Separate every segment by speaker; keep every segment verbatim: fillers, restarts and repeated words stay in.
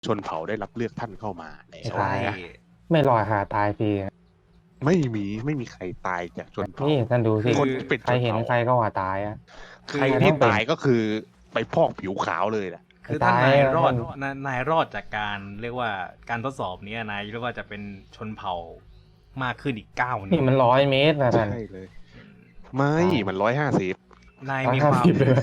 Speaker 1: ชนเผ่าได้รับเลือกท่านเข้ามาแล้ว
Speaker 2: ใช่
Speaker 1: นะ
Speaker 2: ไม่ลอยหาตายฟรี
Speaker 1: ไม่มีไม่มีใครตายจากชนเผ่า
Speaker 2: นี่ท่านดูสิ
Speaker 1: คนที่เป็น
Speaker 2: ใครเห็น
Speaker 1: ชนเผ่า
Speaker 2: ใครก็ว่าตายอ่ะ
Speaker 1: ใครที่ตายก็คือไปพอกผิวขาวเลยแหละ
Speaker 3: คือถ้านายรอด
Speaker 2: ท่าน
Speaker 3: นายนายรอดจากการเรียกว่าการทดสอบนี้นายเรียกว่าจะเป็นชนเผ่ามากขึ้นอีกเก้า
Speaker 2: นี่มันร้อยเมตรนะท่าน
Speaker 1: ใช่เลย ไม่มันร้อยห้าสิบ
Speaker 3: นาย
Speaker 2: ร้อย
Speaker 3: มี
Speaker 2: ห้า
Speaker 3: ความ
Speaker 2: สิบเลย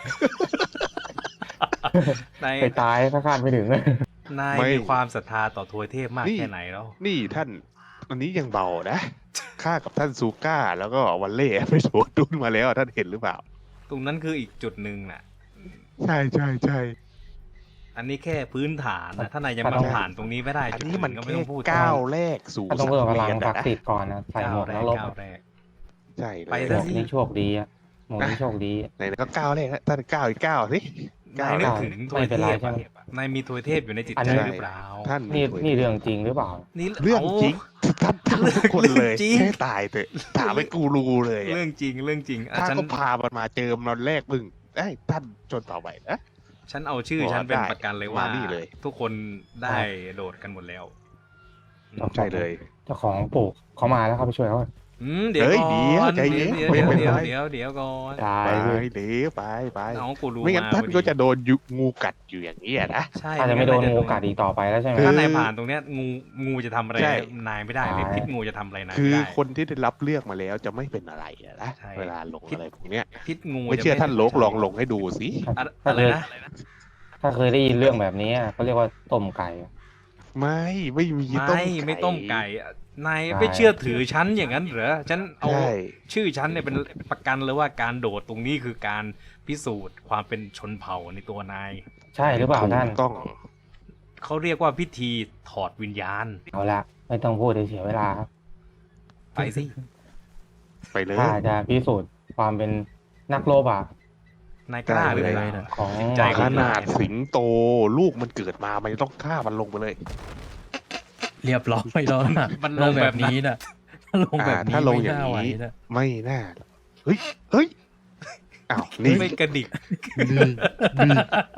Speaker 3: นาย
Speaker 2: ไปตายถ้าคาดไม่ถึง
Speaker 3: นายมีความศรัทธาต่อทวยเทพมากแค่ไหนแล้ว
Speaker 1: นี่ท่านอันนี้ยังเบานะข้ากับท่านซูก้าแล้วก็วันเล่ไปโดดดุนมาแล้วท่านเห็นหรือเปล่า
Speaker 3: ตรงนั้นคืออีกจุดหนึ่งน่ะ
Speaker 1: ใช่ใช่ใช่
Speaker 3: อันนี้แค่พื้นฐานนะถ้านายยัง
Speaker 2: ถ้า
Speaker 3: มา
Speaker 2: ต้อง
Speaker 3: ผ่านตรงนี้ไม่ได้
Speaker 1: อัน
Speaker 3: จุด
Speaker 1: นี้
Speaker 3: อื่
Speaker 1: มัน
Speaker 3: นก็ไม่
Speaker 1: แค่
Speaker 3: ต้องพูด
Speaker 1: ก้าวแรกสู่
Speaker 2: ก็ต้องเพิ่มพลัง
Speaker 1: สัง
Speaker 2: ศัก
Speaker 1: เวียน
Speaker 2: ดิ์สิทธิ์ก่อนนะใส่หมวกนักรบ
Speaker 3: ก้าวแรก
Speaker 1: ใช่เล
Speaker 3: ไป
Speaker 1: ย
Speaker 2: หม
Speaker 3: ซะ
Speaker 2: วก
Speaker 3: สิ
Speaker 2: นี่โชคดีอะหมวกนี่โชคดี
Speaker 1: ไหนๆก็ก้าวแรกแล้วท่านก้าวอีกก้าวสิ
Speaker 3: นายนึกถึงทวย
Speaker 2: ไม่เป็น
Speaker 3: เท
Speaker 2: ไร
Speaker 3: พ
Speaker 2: ใช่ไหม
Speaker 3: อะนายมีทวยเทพอยู่ในจิต
Speaker 2: อัน
Speaker 3: ใจ
Speaker 2: นี้
Speaker 3: หรือเปล่า
Speaker 1: ท่าน
Speaker 2: นี่
Speaker 1: มี
Speaker 2: นี่เรื่องจริงหรือเปล่า
Speaker 3: นี่
Speaker 1: เรื่องจริงท่านท่านทุกคนเลย
Speaker 3: เรื่องจริง
Speaker 1: ให้ตายเถอะถามให้กูรู้เลยอะ
Speaker 3: เรื่องจริงเรื่องจริงอ่ะ
Speaker 1: ถ้า
Speaker 3: ฉัน
Speaker 1: ก็พามันมาเจอมันแรกมึงไอ้ยท่านจนต่อไปนะ
Speaker 3: ฉันเอาชื่อ
Speaker 1: บอก
Speaker 3: ฉันเป็น
Speaker 1: ได้
Speaker 3: ประกันเลยว่า
Speaker 1: มานี่เลย
Speaker 3: ทุกคนได้โดดกันหมดแล้ว
Speaker 1: ใช่เลย
Speaker 2: เจ้าของปลูกเขามาแล้วเขาไปช่วยเขา
Speaker 3: อืมเดี๋ยว
Speaker 1: เฮ้ย
Speaker 3: ก่อน
Speaker 1: เดี๋ยวใจเย็น
Speaker 3: เดี๋ยว
Speaker 1: ไม่
Speaker 3: เดี๋ยว
Speaker 1: เป็น
Speaker 3: เดี๋ยว
Speaker 1: ไร
Speaker 3: เดี๋ยวเดี๋ยวก่อน
Speaker 2: ตาย
Speaker 1: ไป
Speaker 2: เลย
Speaker 1: เดี๋ยวไปไป
Speaker 3: น้องกูรู้
Speaker 1: ไม่งั้น
Speaker 3: มา
Speaker 1: ท่าน
Speaker 3: พอดี
Speaker 1: ก็จะโดนยุงูกัดอยู่อย่างนี้อะนะ
Speaker 3: ใช่
Speaker 2: อาจจะไม่โดน
Speaker 3: งั้
Speaker 2: งูกัดอีกต่อไปแล้วใช่ไหม
Speaker 1: คือ
Speaker 3: ถ้านายผ่านตรงเนี้ยงูงูจะทำอะไร
Speaker 1: ใช่
Speaker 3: นายไม่ได้เลย
Speaker 2: ใช่
Speaker 3: พิษงูจะทำอะไรนาย
Speaker 1: คือ
Speaker 3: ไม่ได้
Speaker 1: คนที่ได้รับเลือกมาแล้วจะไม่เป็นอะไรอะนะ
Speaker 3: ใช่
Speaker 1: เวลาลงอะไรพวกเนี้ย
Speaker 3: พิษงู
Speaker 1: ไม่เชื่อ
Speaker 3: จะ
Speaker 1: ท่านโลกลองลงให้ดูสิ
Speaker 3: อะ
Speaker 2: ถ้า
Speaker 3: อะไร
Speaker 2: เคย
Speaker 3: นะ
Speaker 2: ถ้าเคยได้ยินเรื่องแบบนี้อะเขาเรียกว่าต้มไก่
Speaker 1: ไม่ไม่มีต้ม
Speaker 3: ไม่
Speaker 1: ไก่
Speaker 3: ไม่ต้มไก่อะนาย
Speaker 2: ใช่
Speaker 3: ไม่เชื่อถือฉันอย่างนั้นเหรอฉันเอา
Speaker 1: ใช่
Speaker 3: ชื่อฉันเนี่ยเป็นประกันเลยว่าการโดดตรงนี้คือการพิสูจน์ความเป็นชนเผ่าในตัวนาย
Speaker 2: ใช่หรือเปล่าท่าน
Speaker 1: ถูกต้อง
Speaker 3: เขาเรียกว่าพิธีถอดวิญญาณ
Speaker 2: เอาละไม่ต้องพูดเสียเวลาครับ
Speaker 3: ไปสิ
Speaker 1: ไปเลย
Speaker 2: ถ้าจะพิสูจน์ความเป็นนักรบอ่ะ
Speaker 3: นายกล้าหรือเป
Speaker 1: ได้
Speaker 3: ล่า
Speaker 1: เลย
Speaker 2: ของ
Speaker 3: จิตใจ
Speaker 1: ขนาดสิงโตลูกมันเกิดมามันจะต้องฆ่ามันลงไปเลย
Speaker 4: เรียบร้อยแล้วนะ
Speaker 3: มันล
Speaker 4: ล
Speaker 3: ง
Speaker 4: ง
Speaker 3: แบ
Speaker 4: แบบ บ
Speaker 3: นั้น
Speaker 4: นี้นะถ้าลงแบบนี้
Speaker 1: อ่าถ้าลง
Speaker 4: ไม่
Speaker 1: อย่าง
Speaker 4: น่าไหว
Speaker 1: นี้
Speaker 4: นะ
Speaker 1: ไม่น่าเฮ้ยเฮ้ยอ้าวนี่
Speaker 3: ไม่กระดิก
Speaker 1: นี่นี่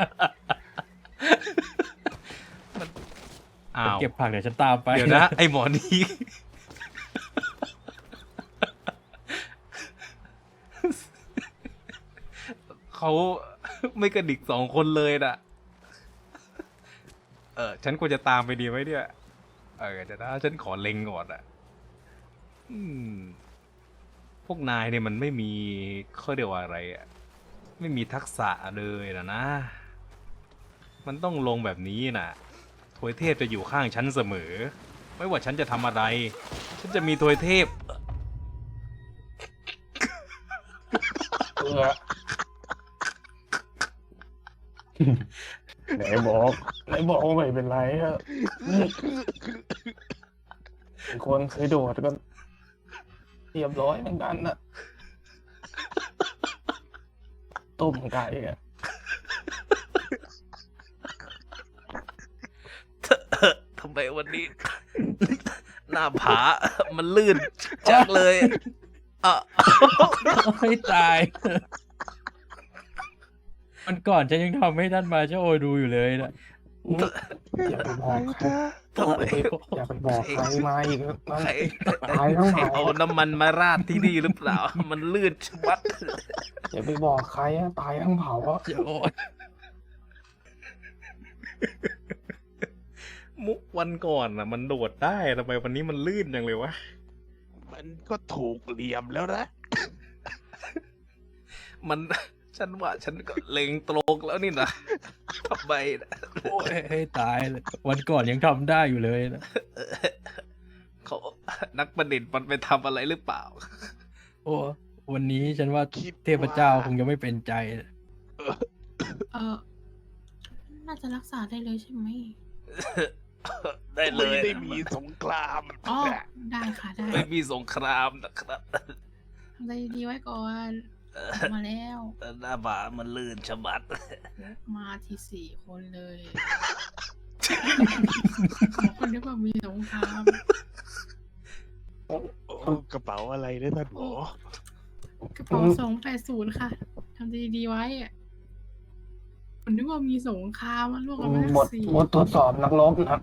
Speaker 3: อ้าว
Speaker 4: เก็บผักเดี๋ยวฉันตามไป
Speaker 3: เดี๋ยวนะ ไอหมอนี่เขาไม่กระดิกสองคนเลยน่ะ เออ ฉันควรจะตามไปดีไหมเนี่ย เออเดี๋ยวนะฉันขอเล็งก่อนอ่ะ อืม พวกนายเนี่ยมันไม่มีเขาเรียกว่าอะไรอ่ะ ไม่มีทักษะเลยนะนะ มันต้องลงแบบนี้น่ะ ทวยเทพจะอยู่ข้างฉันเสมอ ไม่ว่าฉันจะทำอะไร ฉันจะมีทวยเทพ
Speaker 2: เออไหนบอกไหนบอกว่าไม่เป็นไรอะคนเคยโดดก็เรียบร้อยเหมือนกันน่ะต้มไก่อะ
Speaker 3: ทำไมวันนี้ หน้าผา มันลื่นจักเลยอ่ะ
Speaker 4: ไม่ตาย มันก่อนฉันยังทำให้ท่านมาเจ้าโอยดูอยู่เลยนะ
Speaker 2: อย่าไปบอกใคร
Speaker 3: ทำไม
Speaker 2: อย่าไปบอกใครมาอีกนะ
Speaker 3: ใคร
Speaker 2: ตายทั้ง
Speaker 3: ใคร
Speaker 2: เผ่า
Speaker 3: เอาน้ำมันมาราดที่นี่หรือเปล่า มันลื่นชะมัด
Speaker 2: อย่าไปบอกใครอะตายทั้งเผ่าอะ
Speaker 4: เจ้าโอย
Speaker 3: มุกวันก่อนน่ะ มันโดดได้ทำไมวันนี้มันลื่นจังเลยวะ
Speaker 1: มันก็ถูกเหลี่ยมแล้วนะ
Speaker 3: มัน ฉันว่าฉันก็เล็งตรงแล้วนี่นะทำไมนะ
Speaker 4: โอ้ยให้ตายเลยวันก่อนยังทำได้อยู่เลยนะ
Speaker 3: เขานักประดิษฐ์มันไปทำอะไรหรือเปล่า
Speaker 4: โอ้วันนี้ฉันว่า
Speaker 1: คิด
Speaker 4: เทพเจ้าคงจะไม่เป็นใจนะ
Speaker 5: เออน่าจะรักษาได้เลยใช่ไหม
Speaker 3: ได้เล
Speaker 1: ไม่
Speaker 3: ย
Speaker 1: ได้มีสงคราม
Speaker 5: อ๋อ ได้ค่ะได้
Speaker 3: ไม่มีสงครามนะครับ
Speaker 5: ทำใจดีๆไว้ก่อนมาแล้ว
Speaker 3: แต่หน้าผามันลื่นชะมัด
Speaker 5: มาทีสี่คนเลยคนนึกว่ามีสงคราม
Speaker 1: โอ้กระเป๋าอะไรเนี่ยท่านหมอ
Speaker 5: กระเป๋าสองแปดศูนย์ค่ะทำใจดีๆไว้อะผมนึกว่ามีสงครามมันล่วงกันไปแล้ว
Speaker 2: บท
Speaker 5: สี่
Speaker 2: บททดสอบนักรบนะครับ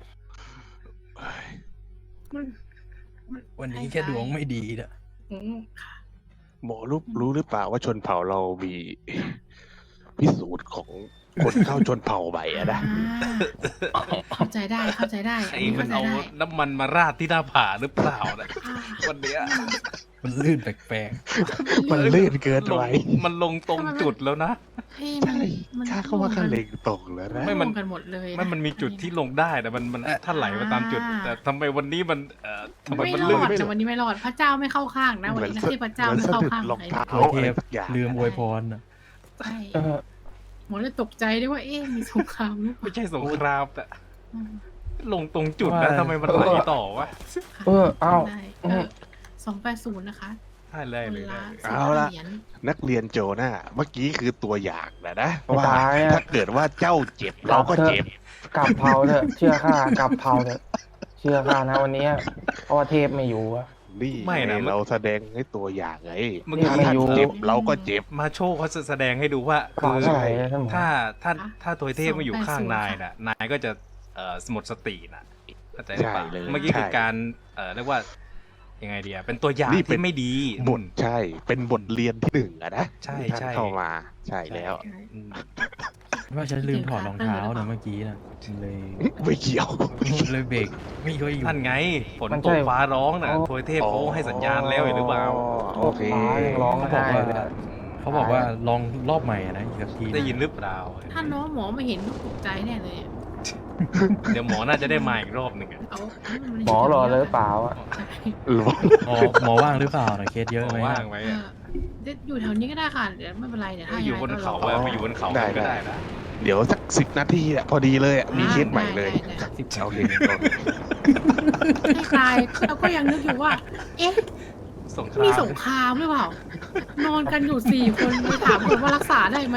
Speaker 5: มันมั
Speaker 4: วันนี้แค่ดวงไม่ดีนะ
Speaker 5: อืมค่ะ
Speaker 1: หมอรู้รู้หรือเปล่าว่าชนเผ่าเรามีพิสูจน์ของคนเข้าชนเผ่าใหม่อะนะ
Speaker 5: อ่าเข้าใจได้เข้าใจได้
Speaker 3: ใคร
Speaker 5: อันนี้
Speaker 3: มั
Speaker 5: เข้าน ใจ
Speaker 3: เอา
Speaker 5: ได้
Speaker 3: น้ำมันมาราดที่หน้าผาหรือเปล่านะ
Speaker 5: อ่า
Speaker 3: วันเนี้ย
Speaker 4: มันลื่นแปลก
Speaker 1: มันลื่นเกิน
Speaker 3: ลง
Speaker 1: ไป
Speaker 3: มันลงตรงจุดแล้วนะ
Speaker 5: เอ้ยมัน
Speaker 1: ใช่
Speaker 5: มัน
Speaker 1: ข้าเข้ามาข้าเล็งตกแล้วนะ
Speaker 3: ไม่
Speaker 5: ไม่
Speaker 3: มั
Speaker 5: มัน นกันหมดเลยะ
Speaker 3: ไม่มันมีจุดที่ลงได้แต่มันมันถ้าไหลมาตามจุด แต่ทำไมวันนี้มันเอ่อทำไม
Speaker 5: ไม่
Speaker 3: มัน
Speaker 5: ร
Speaker 3: ลื่
Speaker 5: อน ดแต่วันนี้ไม่รอดพระเจ้าไม่เข้าข้างนะวันนี้นะที่พระเจ้า
Speaker 1: เหมือน
Speaker 5: ไม่
Speaker 1: สะ
Speaker 5: เข้า
Speaker 1: ดุด
Speaker 5: ข้าง
Speaker 1: รอง
Speaker 5: ใคร
Speaker 1: เท้า
Speaker 4: ๆตัวเท
Speaker 1: อะไร
Speaker 4: พ
Speaker 1: สักอย่าง
Speaker 4: ลืมอวยพรน่ะ
Speaker 5: ใช่
Speaker 2: เออ
Speaker 5: หมอเลยตกใจด้วยว่าเอ๊ะมีสงครามหรือเป
Speaker 3: ไม่
Speaker 5: ล่า
Speaker 3: ใช่สงครามแต่
Speaker 5: อืม
Speaker 3: ลงตรงจุดนะ
Speaker 4: ว่า
Speaker 3: ทำไมมันไหลต่อวะ
Speaker 2: เออเอ้า
Speaker 5: ได้เออสองแปดศูนย์นะคะ
Speaker 3: ใช่เลยเลย
Speaker 5: คนละ
Speaker 1: เอาละ
Speaker 5: สิบเหรียญ
Speaker 1: นักเรียนโจน่าเมื่อกี้คือตัวอย่างนะนะ
Speaker 2: ไม่
Speaker 1: ว่า
Speaker 2: ตายอะ
Speaker 1: ถ้าเกิดว่าเจ้าเจ็บเราก็เจ็บ
Speaker 2: กลับเผาเถอะเชื่อข้ากลับเผาเถอะเชื่อข้านะวันนี้เพราะว่าเทพไม่อยู่อะ
Speaker 1: นี่
Speaker 3: ไม่นะ
Speaker 1: ไงเราแสดงให้ตัวอย่างไง
Speaker 3: เมื่อ
Speaker 2: นี่
Speaker 3: กี้
Speaker 2: ไม่
Speaker 1: ถ้า
Speaker 2: อยู่
Speaker 1: เจ็บเราก็เจ็บ
Speaker 3: มาโชว์เขาแสดงให้ดูว่า
Speaker 2: เปล่าเท่าไหร่นะท่านหมอ
Speaker 3: ถ้าถ้าถ้าตัวเทพมาอยู่ข้างนายน่ะนายก็จะเอ่อหมดสติน่ะเข้าใจหรือเปล่า
Speaker 1: ใช่เลย
Speaker 3: เมื่อกี้คือ
Speaker 1: ใช่
Speaker 3: การเอ่อเรียกว่ายังไงเดียเป็นตัวอย่าง
Speaker 1: นี่เป็น
Speaker 3: ที่ไม่ดี
Speaker 1: บทใช่ เป็นบทเรียนที่หนึ่งอะนะ
Speaker 3: ใช่
Speaker 1: ที่ท่าน
Speaker 3: ใช่
Speaker 1: เข้ามาใช่แล้ว
Speaker 3: อืม
Speaker 4: ว่าฉันลืมถอดรองเท้านะเมื่อกี้นะเลย
Speaker 1: ไม่เกี่ยว
Speaker 4: เลยเบรกไม่ค่อยอยู่
Speaker 3: นั่นไงฝน
Speaker 2: มัน
Speaker 3: ต
Speaker 2: ใช่
Speaker 3: กฟ้าร้องน่ะทวยเทพเขาให้สัญญาณแล้วหรือเปล่า
Speaker 1: โอเค
Speaker 2: ฟ้ายังร้อง
Speaker 4: เขาบ
Speaker 2: ไห้
Speaker 4: อกว่า
Speaker 2: เลยอะ
Speaker 4: เขาบอกว่าลองรอบใหม่อะนะอีกสักที
Speaker 3: ได้ยินหรือเปล่า
Speaker 5: ถ้าน้องหมอมาเห็นก็ตกใจแน่เลยอะ
Speaker 3: เดี๋ยวหมอน่าจะได้มาอีกรอบหนึ่งอะ
Speaker 5: เอา
Speaker 2: หมอรอเลยหรือเปล่าอะ
Speaker 5: ใช่
Speaker 1: หรอ
Speaker 4: หมอหมอว่างหรือเปล่านะเคสเยอะ
Speaker 3: หม
Speaker 4: ไหม
Speaker 3: อว่าง
Speaker 4: อะ
Speaker 3: ไว้
Speaker 5: เอ
Speaker 3: อะ
Speaker 5: อเดี๋ยวอยู่แถวนี้ก็ได้ค่ะเดี๋ยวไม่เป็นไรเดี๋ยวถ้า
Speaker 3: อยู่บนเขา
Speaker 5: อะ
Speaker 3: อะมาอยู่บนเขากันก็ได้นะ
Speaker 1: เดี๋ยวสักสิบนาทีอะพอดีเลยอะมีเคสใหม่เลย
Speaker 4: สิบ
Speaker 1: โอเค
Speaker 5: ให้ตายเราก็ยังนึกอยู่ว่า เอ๊ะ
Speaker 3: สงครา
Speaker 5: มี
Speaker 3: ม
Speaker 5: สงครามหรือเปล่านอนกันอยู่สี่คนไปถามคนว่ารักษาได้ไหม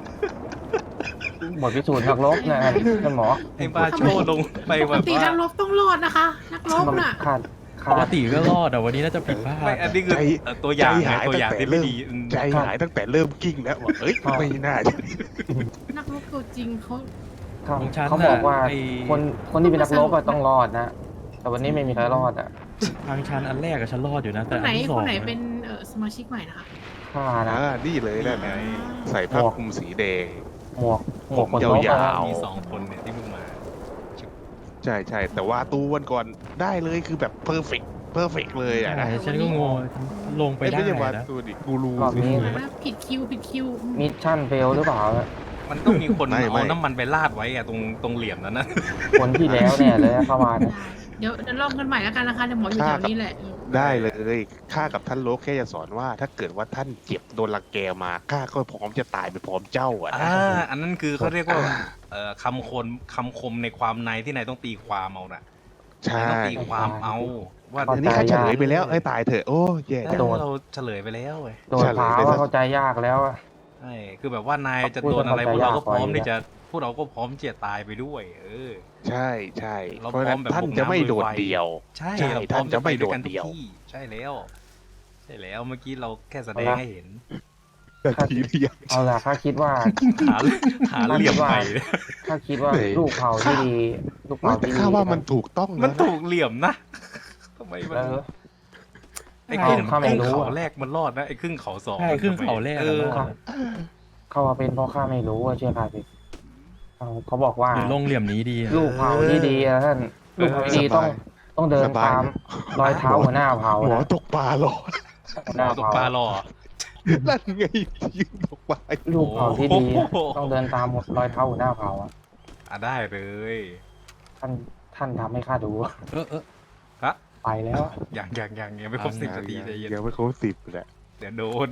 Speaker 2: บทพิสูจน์นักรบนะครับท่านหมอ
Speaker 3: ไอ้บ้าโชว์ลงไป
Speaker 5: ป
Speaker 3: แบ
Speaker 5: ก
Speaker 3: บ
Speaker 5: ติ
Speaker 3: ว่า
Speaker 5: นักรบต้องรอดนะคะ นักรบน่ะ
Speaker 2: ขาด
Speaker 4: ป
Speaker 2: ขาก ด
Speaker 4: ติก็รอดแต่วันนี้น่าจะผิดพลาด
Speaker 3: ไม่อันนี้คือ
Speaker 1: ใจ
Speaker 3: เอ่อตัวอย่าง
Speaker 1: ใจ
Speaker 3: ไง
Speaker 1: หาย
Speaker 3: ตัวอย่าง
Speaker 1: ตั้งแต่
Speaker 3: ที่ไม่ดี
Speaker 1: เริ่ม
Speaker 3: อืม
Speaker 1: ใจหายตั้งแต่เริ่มกิ้งแล้วว่าเอ้ย
Speaker 2: ครับ
Speaker 1: ไม่น่าจะ
Speaker 5: นักรบตัวจริงเขา
Speaker 2: เขา
Speaker 4: ของฉัน
Speaker 2: เขาบอกว่า
Speaker 4: ไอ้
Speaker 2: คนคนที่เป็นนักรบอะต้องรอดนะ แต่วันนี้ไม่มีใครรอดอะ
Speaker 4: ทางชันอันแรกกับฉันรอดอยู่นะ
Speaker 5: ค
Speaker 4: แต่
Speaker 5: น
Speaker 4: อั
Speaker 5: ไหน
Speaker 4: นที่ส
Speaker 5: ค
Speaker 4: อง
Speaker 5: นไหน
Speaker 4: อะ
Speaker 5: เป็นเอ่อสมาชิกใหม่นะคะ
Speaker 2: ข้านะ
Speaker 1: อ่านี่เลยนั่นไงใส่ผ้าคลุมสีแดง
Speaker 2: หมวกหมวก
Speaker 1: ผม
Speaker 2: คนรบ
Speaker 1: ยา
Speaker 2: อะ
Speaker 1: ว
Speaker 3: มีสองคนเนี่ยที่เพิ่งมา
Speaker 1: ใช่ใช่แต่ว่าตูวันก่อนได้เลยคือแบบเพอร์เฟกเพอร์เฟกเลยอะ
Speaker 4: ใช่
Speaker 1: นะ
Speaker 4: ฉันก็งงลงไป
Speaker 1: เอ้ย
Speaker 4: ได้
Speaker 1: ไม่ใช่ว่า
Speaker 4: นะ
Speaker 1: ตูดิกูรู
Speaker 2: รอบ
Speaker 1: สิ
Speaker 2: นี้
Speaker 5: นะผิดคิวผิดคิวอืม
Speaker 2: มิชชั่นเฟลหรือเปล่าอะ
Speaker 3: มันต้องมีคน
Speaker 1: ไม่ไม่
Speaker 3: เอาน้ำมันไปราดไว้อะตรงตรงเหลี่ยมนั้นนะ
Speaker 2: คนที่แล้วเนี่ยเลยเข้ามาเนี่ย
Speaker 5: ได้เดี๋ยวเดี๋ยวลองกันใหม่แล้วกันนะคะเดี๋ยวหมออยู่แถวนี้แหละเออ
Speaker 1: ได้เลยข้ากับท่านโลกแค่จะสอนว่า ถ้าเกิดว่าท่านเจ็บโดนรังแกมาข้าก็พร้อมจะตายไปพร้อมเจ้าอะนะ
Speaker 3: อ่าอันนั้นคือเขาเรียกว่าเอ่อคำคนคำคมในความในที่นายต้องตีความเอาน่ะ
Speaker 1: ใช่
Speaker 3: นายต้องตีความเอาว่า
Speaker 1: อันนี้ข้าเฉลยไปแล้วเอ้ยตายเถอะโอ้แย่
Speaker 3: เอ
Speaker 1: จัง
Speaker 3: อเราเฉลยไปแล้วเว้ย
Speaker 2: โดนเท้าว่าเข้าใจยากแล้วอะ
Speaker 3: ใช่คือแบบว่านายจะ
Speaker 2: พูด
Speaker 3: โดนอะไรพ
Speaker 2: เข้าว
Speaker 3: ก
Speaker 2: ใจ
Speaker 3: เราก็
Speaker 2: ยาก
Speaker 3: พร้อม
Speaker 2: กว่า
Speaker 3: ที่จะพวกเราก็พร้อมที่จะตายไปด้วย เออ
Speaker 1: ใช่ใช่
Speaker 3: เรา
Speaker 1: เพราะฉะนั้น
Speaker 3: พร้อมแบบ
Speaker 1: ท่าน
Speaker 3: บุกน้ำ
Speaker 1: จะไม่โดด
Speaker 3: ลุยไฟ
Speaker 1: เดี่ยว
Speaker 3: ใช่
Speaker 1: ใช่
Speaker 3: เราพร้อม
Speaker 1: ท่านจะไม่
Speaker 3: ปด้วยกัน
Speaker 1: โดดเดี่ยว
Speaker 3: ทุกที่ใช่แล้ว ใช่แล้วเมื่อกี้เราแค่แสดงให้เห็น
Speaker 1: แต่ทีเดียว
Speaker 2: เอาล่ะข้าคิดว่า
Speaker 3: หาหาเหลี่ยมใหม่
Speaker 2: ข้าคิดว่า
Speaker 1: เฮ้ย
Speaker 2: ลูกเผาที่ดี ลูกเผา
Speaker 1: แต่
Speaker 2: ที่ดี
Speaker 1: ข้าว่ามันถูกต้อง
Speaker 3: มัน
Speaker 1: นะ
Speaker 3: ถูกเหลี่ยมนะทำไมมัน
Speaker 2: เออ
Speaker 3: ไอ้ครึ่ง
Speaker 2: ข้าไม่
Speaker 3: ครึ่ง
Speaker 2: รู้
Speaker 3: เขา
Speaker 2: อะ
Speaker 3: แรกมันรอดนะไอ้ครึ่งเขาสอง
Speaker 4: ใช่ครึ่งเขาแรก
Speaker 3: เอ
Speaker 4: อะ
Speaker 3: อ
Speaker 4: รอด
Speaker 2: เขาว่าเป็นเพราะข้าไม่รู้ว่าเชื่อข้าสิเขาเขาบอกว่า
Speaker 4: หรือลงเหลี่ยมนี้ดีอะ
Speaker 2: ลูกเผาที่ดีอะท่านลูกเผาที่ดีต้องต้องเดิน
Speaker 1: สบาย
Speaker 2: ตามรอยเท้าหัวหน้าเผา
Speaker 1: หมอ
Speaker 2: นะ
Speaker 1: ตกปลาหรอ
Speaker 2: หัวห
Speaker 3: หม
Speaker 2: น้า
Speaker 3: อตก
Speaker 2: เผา
Speaker 3: ปลาหล่อ
Speaker 1: นั่นไงยืนตกปลา
Speaker 2: ลูกเผาที่ดีอะ
Speaker 3: โอ้โห
Speaker 2: ต้องเดินตามรอยเท้าหัวหน้าเผาอะ
Speaker 3: อ่ะได้เลย
Speaker 2: ท่านท่านทำให้ข้าดู
Speaker 4: เออเออ
Speaker 3: ฮะ
Speaker 2: ไปแล้วอะ
Speaker 3: อย่างอย่างอย่างยังไม่ครบสิบนาทีใจเย็น
Speaker 1: ยังไม่ครบสิบแหละ
Speaker 3: เดี๋ยวโดน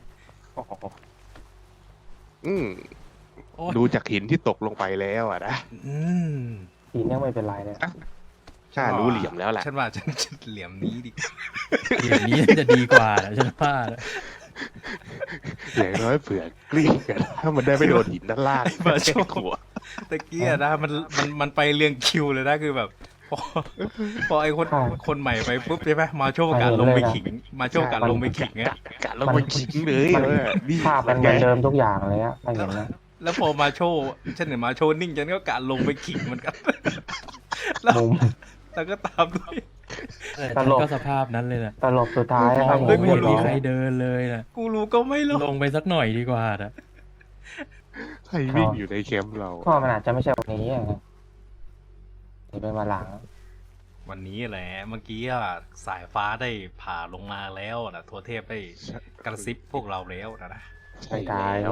Speaker 1: อืม
Speaker 4: โอ๊ย
Speaker 1: ดูจากหินที่ตกลงไปแล้วอะนะ
Speaker 3: อืม
Speaker 2: ทีนี้ไม่เป็นไรเลย
Speaker 1: ข้ารู้เหลี่ยมแล้วแหละ
Speaker 3: ฉันว่าฉันฉันเหลี่ยมนี้ดิ
Speaker 4: เหลี่ยมนี้จะดีกว่านะฉันว่านะ
Speaker 1: อย่างน้อยเผื่อกลิ้งกันถ้ามันได้ไม่โดนหินด้านล่าง
Speaker 3: ไอ้บ้าโชว์
Speaker 1: ขัว
Speaker 3: ตะเกียนะมันมันมันไปเรียงคิวเลยนะคือแบบพอพอไอ้คนคนใหม่ไปปุ๊บใช่ไหมมาโชว์การลงไปขิง มาโชว์การลงไปขิง
Speaker 1: กะ
Speaker 3: อะ
Speaker 1: กะลงไปขิงเลย
Speaker 2: มัน
Speaker 1: เออนี่
Speaker 2: ภาพมันเหมือนเดิมทุกอย่างเลยอะถ้าเห็นนะ
Speaker 3: แล้วพอมาโชว์ฉันเห็นมาโชว์นิ่งฉันก็กะลงไปขิงเหมือนกัน แล้ว
Speaker 2: มุม
Speaker 3: แล้วก็ตามด้วย
Speaker 4: แต่
Speaker 2: ต
Speaker 4: ฉัน
Speaker 2: ลก
Speaker 4: ก็สภาพนั้นเลยนะ
Speaker 2: ตลบสุดท้ายนะครับ
Speaker 4: ไม่
Speaker 2: ผม
Speaker 4: เห็นมี
Speaker 2: ร้อง
Speaker 4: ใครเดินเลยนะ
Speaker 3: กูรู้ก็ไม่รู้
Speaker 4: ลงไปสักหน่อยดีกว่านะ
Speaker 1: ใครวิ่งอยู่ในแคมป์เรา
Speaker 2: ก็มันอาจจะไม่ใช่วันนี้อะนะนี่เป็นวันหลัง
Speaker 3: วันนี้แหละ เมื่อกี้อะสายฟ้าได้ผ่าลงมาแล้วนะทัวเทพได้กระซิบพวกเราแล้วนะนะ
Speaker 1: ใช่แล้ว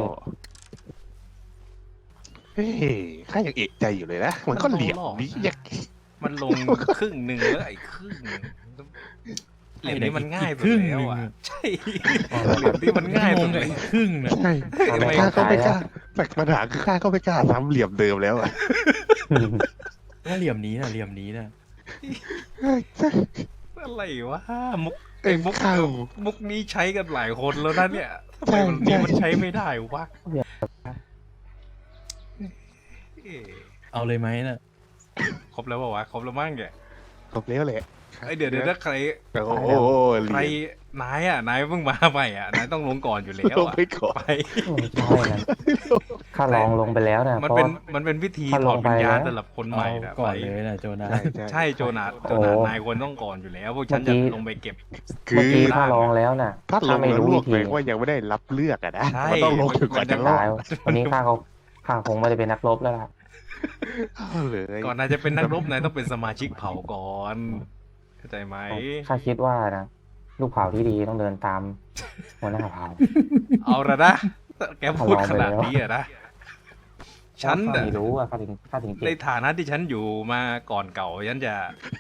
Speaker 1: เฮ้ยข้ายังเอกใจอยู่เลยนะ มันก็เหลี่ยมนี้ยัง
Speaker 3: มันลงครึ่งหนึ่งแล้วไอ้ครึ่งหนึ่งเหลี่ยมนี้มันง่ายไปแล้วอ่ะใช่เหลี่ยมนี้มันง่าย
Speaker 4: ง
Speaker 3: ไป
Speaker 4: ง
Speaker 3: เล
Speaker 4: กับ
Speaker 3: ย
Speaker 4: อีกครึ่งนะ
Speaker 1: ใช่
Speaker 2: เอา
Speaker 1: แต่
Speaker 2: ไม่
Speaker 1: ข้า
Speaker 2: เข้า
Speaker 1: ก็
Speaker 2: ใจ
Speaker 1: ไม่กล้า
Speaker 2: อะ
Speaker 1: แต่ปัญหาคือข้าก็ไม่กล้าซ้ำเหลี่ยมเดิมแล้วอ่ะ
Speaker 4: ถ้าเหลี่ยมนี้นะเหลี่ยมนี้นะ
Speaker 3: อะไรวะมุก
Speaker 1: เอ็งข้าว
Speaker 3: มุกนี้ใช้กันหลายคนแล้วนะเนี่ยทำไมวันนี้มันใช้ไม่ได้วะเอ๊ะ
Speaker 4: เอาเลยไหมนะ
Speaker 3: ครบแล้วเปล่าวะครบแล้วมั้งแก
Speaker 1: ครบแล้วแหละ
Speaker 3: ไอยเดี๋ยวเดี๋ยวถ้าใคร
Speaker 1: โอ้โห
Speaker 3: ใคร
Speaker 1: เหลี่ยม
Speaker 3: นายอ่ะนายเพิ่งมาใหม่อ่ะนายต้องลงก่อนอยู่แล้ว
Speaker 1: ลง
Speaker 3: อ่ะ
Speaker 1: ไปก่อน
Speaker 3: ไป
Speaker 2: ไม่ใช่นะข้าลองลงไปแล้วนะ
Speaker 3: มัน
Speaker 2: เพราะ
Speaker 3: เป็น
Speaker 2: ว่า
Speaker 3: มันเป็นวิธี
Speaker 2: ถ้า
Speaker 3: ถ
Speaker 2: ล
Speaker 3: อด
Speaker 2: ง
Speaker 3: วิญญาณ
Speaker 2: ไปแล้ว
Speaker 3: สำหรับคนให
Speaker 4: เอา
Speaker 3: ม่นะ
Speaker 4: ก่อน
Speaker 3: ไป
Speaker 4: เลยนะโจนา
Speaker 1: ใช่ใช่
Speaker 3: ใช่โจนาส
Speaker 2: โอ้
Speaker 3: โจนานายควรต้องก่อนอยู่แล้ว พวกฉัน
Speaker 2: เมื่
Speaker 3: จะ
Speaker 2: อกี้
Speaker 3: ลงไปเก็บ
Speaker 1: คื
Speaker 2: เมื่อ
Speaker 1: อ
Speaker 2: กี้ข้าลองแล้วน่ะ
Speaker 1: ถ้าล
Speaker 2: ข้าง ไม่
Speaker 1: แล้ว
Speaker 2: รู้
Speaker 1: ล
Speaker 2: วิ
Speaker 1: วก
Speaker 2: ธี
Speaker 1: เลยว่ายังไม่ได้รับเลือกอะนะ
Speaker 3: ใช่
Speaker 1: มันต้องลงถึงกว่าจะรอ
Speaker 2: ตา
Speaker 1: ด
Speaker 2: ยวันนี้ข้าเขาข้าคงไม่ได้เป็นนักรบแล้วล่ะ
Speaker 1: เอาเลย
Speaker 3: ก่อนนายจะเป็นนักรบนายต้องเป็นสมาชิกเผ่าก่อนเข้าใจไหม
Speaker 2: ข้าคิดว่านะลูกเผาที่ดีต้องเดินตามหัวหน้าเผา
Speaker 3: เอาละนะแกพูดขนาด
Speaker 2: เอาลองไปแล้ว
Speaker 3: นี้อะนะฉัน
Speaker 2: ข้า
Speaker 3: น่ะ
Speaker 2: ไม่รู้อ่ะข้าถึงข้าถึง
Speaker 3: ใน
Speaker 2: เจ็บ
Speaker 3: ฐานะที่ฉันอยู่มาก่อนเก่าฉันจะ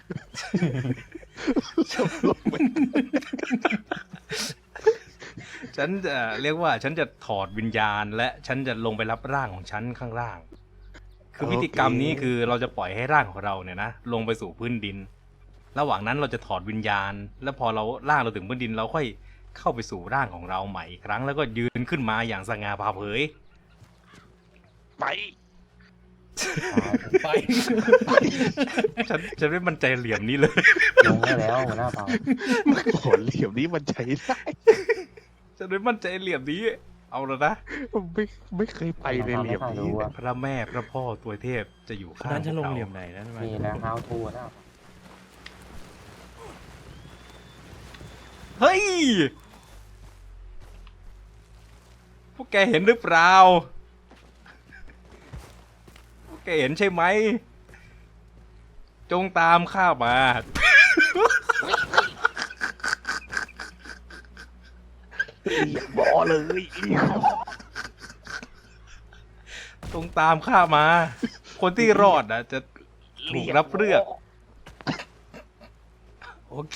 Speaker 3: ฉันจะเรียกว่าฉันจะถอดวิญญาณ และฉันจะลงไปรับร่างของฉันข้างล่าง คือพิธีกรรมนี้คือเราจะปล่อยให้ร่างของเราเนี่ยนะลงไปสู่พื้นดิน ระหว่างนั้นเราจะถอดวิญญาณ แล้วพอเราร่างเราถึงพื้นดิน เราค่อยเข้าไปสู่ร่างของเราใหม่อีกครั้ง แล้วก็ยืนขึ้นมาอย่างสง่าผ่าเผย
Speaker 1: ไป
Speaker 4: ไป
Speaker 3: ฉันฉันไม่มั่นใจเหลี่ยมนี้เลย
Speaker 2: ลงได้แล้วหัวหน้าเผา
Speaker 1: โอ้โหเหลี่ยมนี้มันใช้ได้
Speaker 3: ฉันไม่มั่นใจเหลี่ยมนี้ เอาแล้วนะ
Speaker 1: ไม่ไม่เคยไปในเหลี่ยมนี้
Speaker 2: รู้อ่ะ
Speaker 3: พระแม่พระพ่อตัวเทพจะอยู่
Speaker 4: คน
Speaker 3: ข้าง
Speaker 4: นั้นจะลง
Speaker 3: พวกรา
Speaker 4: เหลี่ยมไหนนะทำไม
Speaker 2: นี่นะ how to นะ
Speaker 3: เฮ้ย พวกแกเห็นหรือเปล่า พวกแกเห็นใช่ไหม จงตามข้ามา
Speaker 1: เหลี่ยมบอเลยเหลี่ยม
Speaker 3: จงตามข้ามา คนที่รอดนะจะถูกรับเลือก โอเค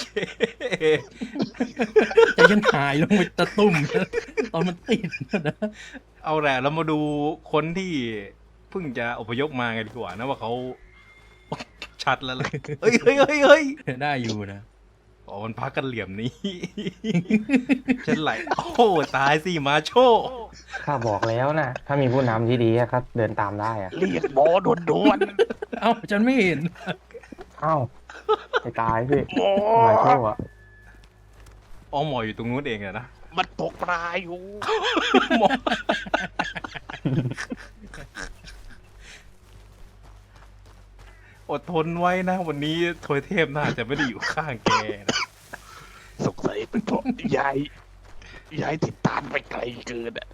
Speaker 4: จะยันหายลงไปตะตุ่มนะตอนมันติดนะ
Speaker 3: เอาแหละเรามาดูคนที่เพิ่งจะอพยพมากันดีกว่านะว่าเขา ชัดแล้วล่ะเฮ้ยเฮ้ยเฮ้ยเฮ้ย
Speaker 4: ได้อยู่นะ
Speaker 3: อ๋อมันพักกันเหลี่ยมนี้ ฉันไหลโอ้ตายสิมาโช
Speaker 2: ข้าบอกแล้วนะถ้ามีผู้นำที่ดีอะครับเดินตามได้อะ
Speaker 1: เหลี่ยมบอโดนโดน
Speaker 4: เอ้าฉันไม่เห็น
Speaker 2: เอ้าไปตายพี่
Speaker 1: โอ้
Speaker 2: มาโชว์อะ
Speaker 3: อ๋อหมออยู่ตรงนู้นเองอะนะ
Speaker 1: มันตกปลาอยู่
Speaker 3: หมออดทนไว้นะ วันนี้ทวยเทพน่าจะไม่ได้อยู่ข้างแกนะ
Speaker 1: สงสัยเป็นเพราะยายยายติดตามไปไกลเกินอ่ะ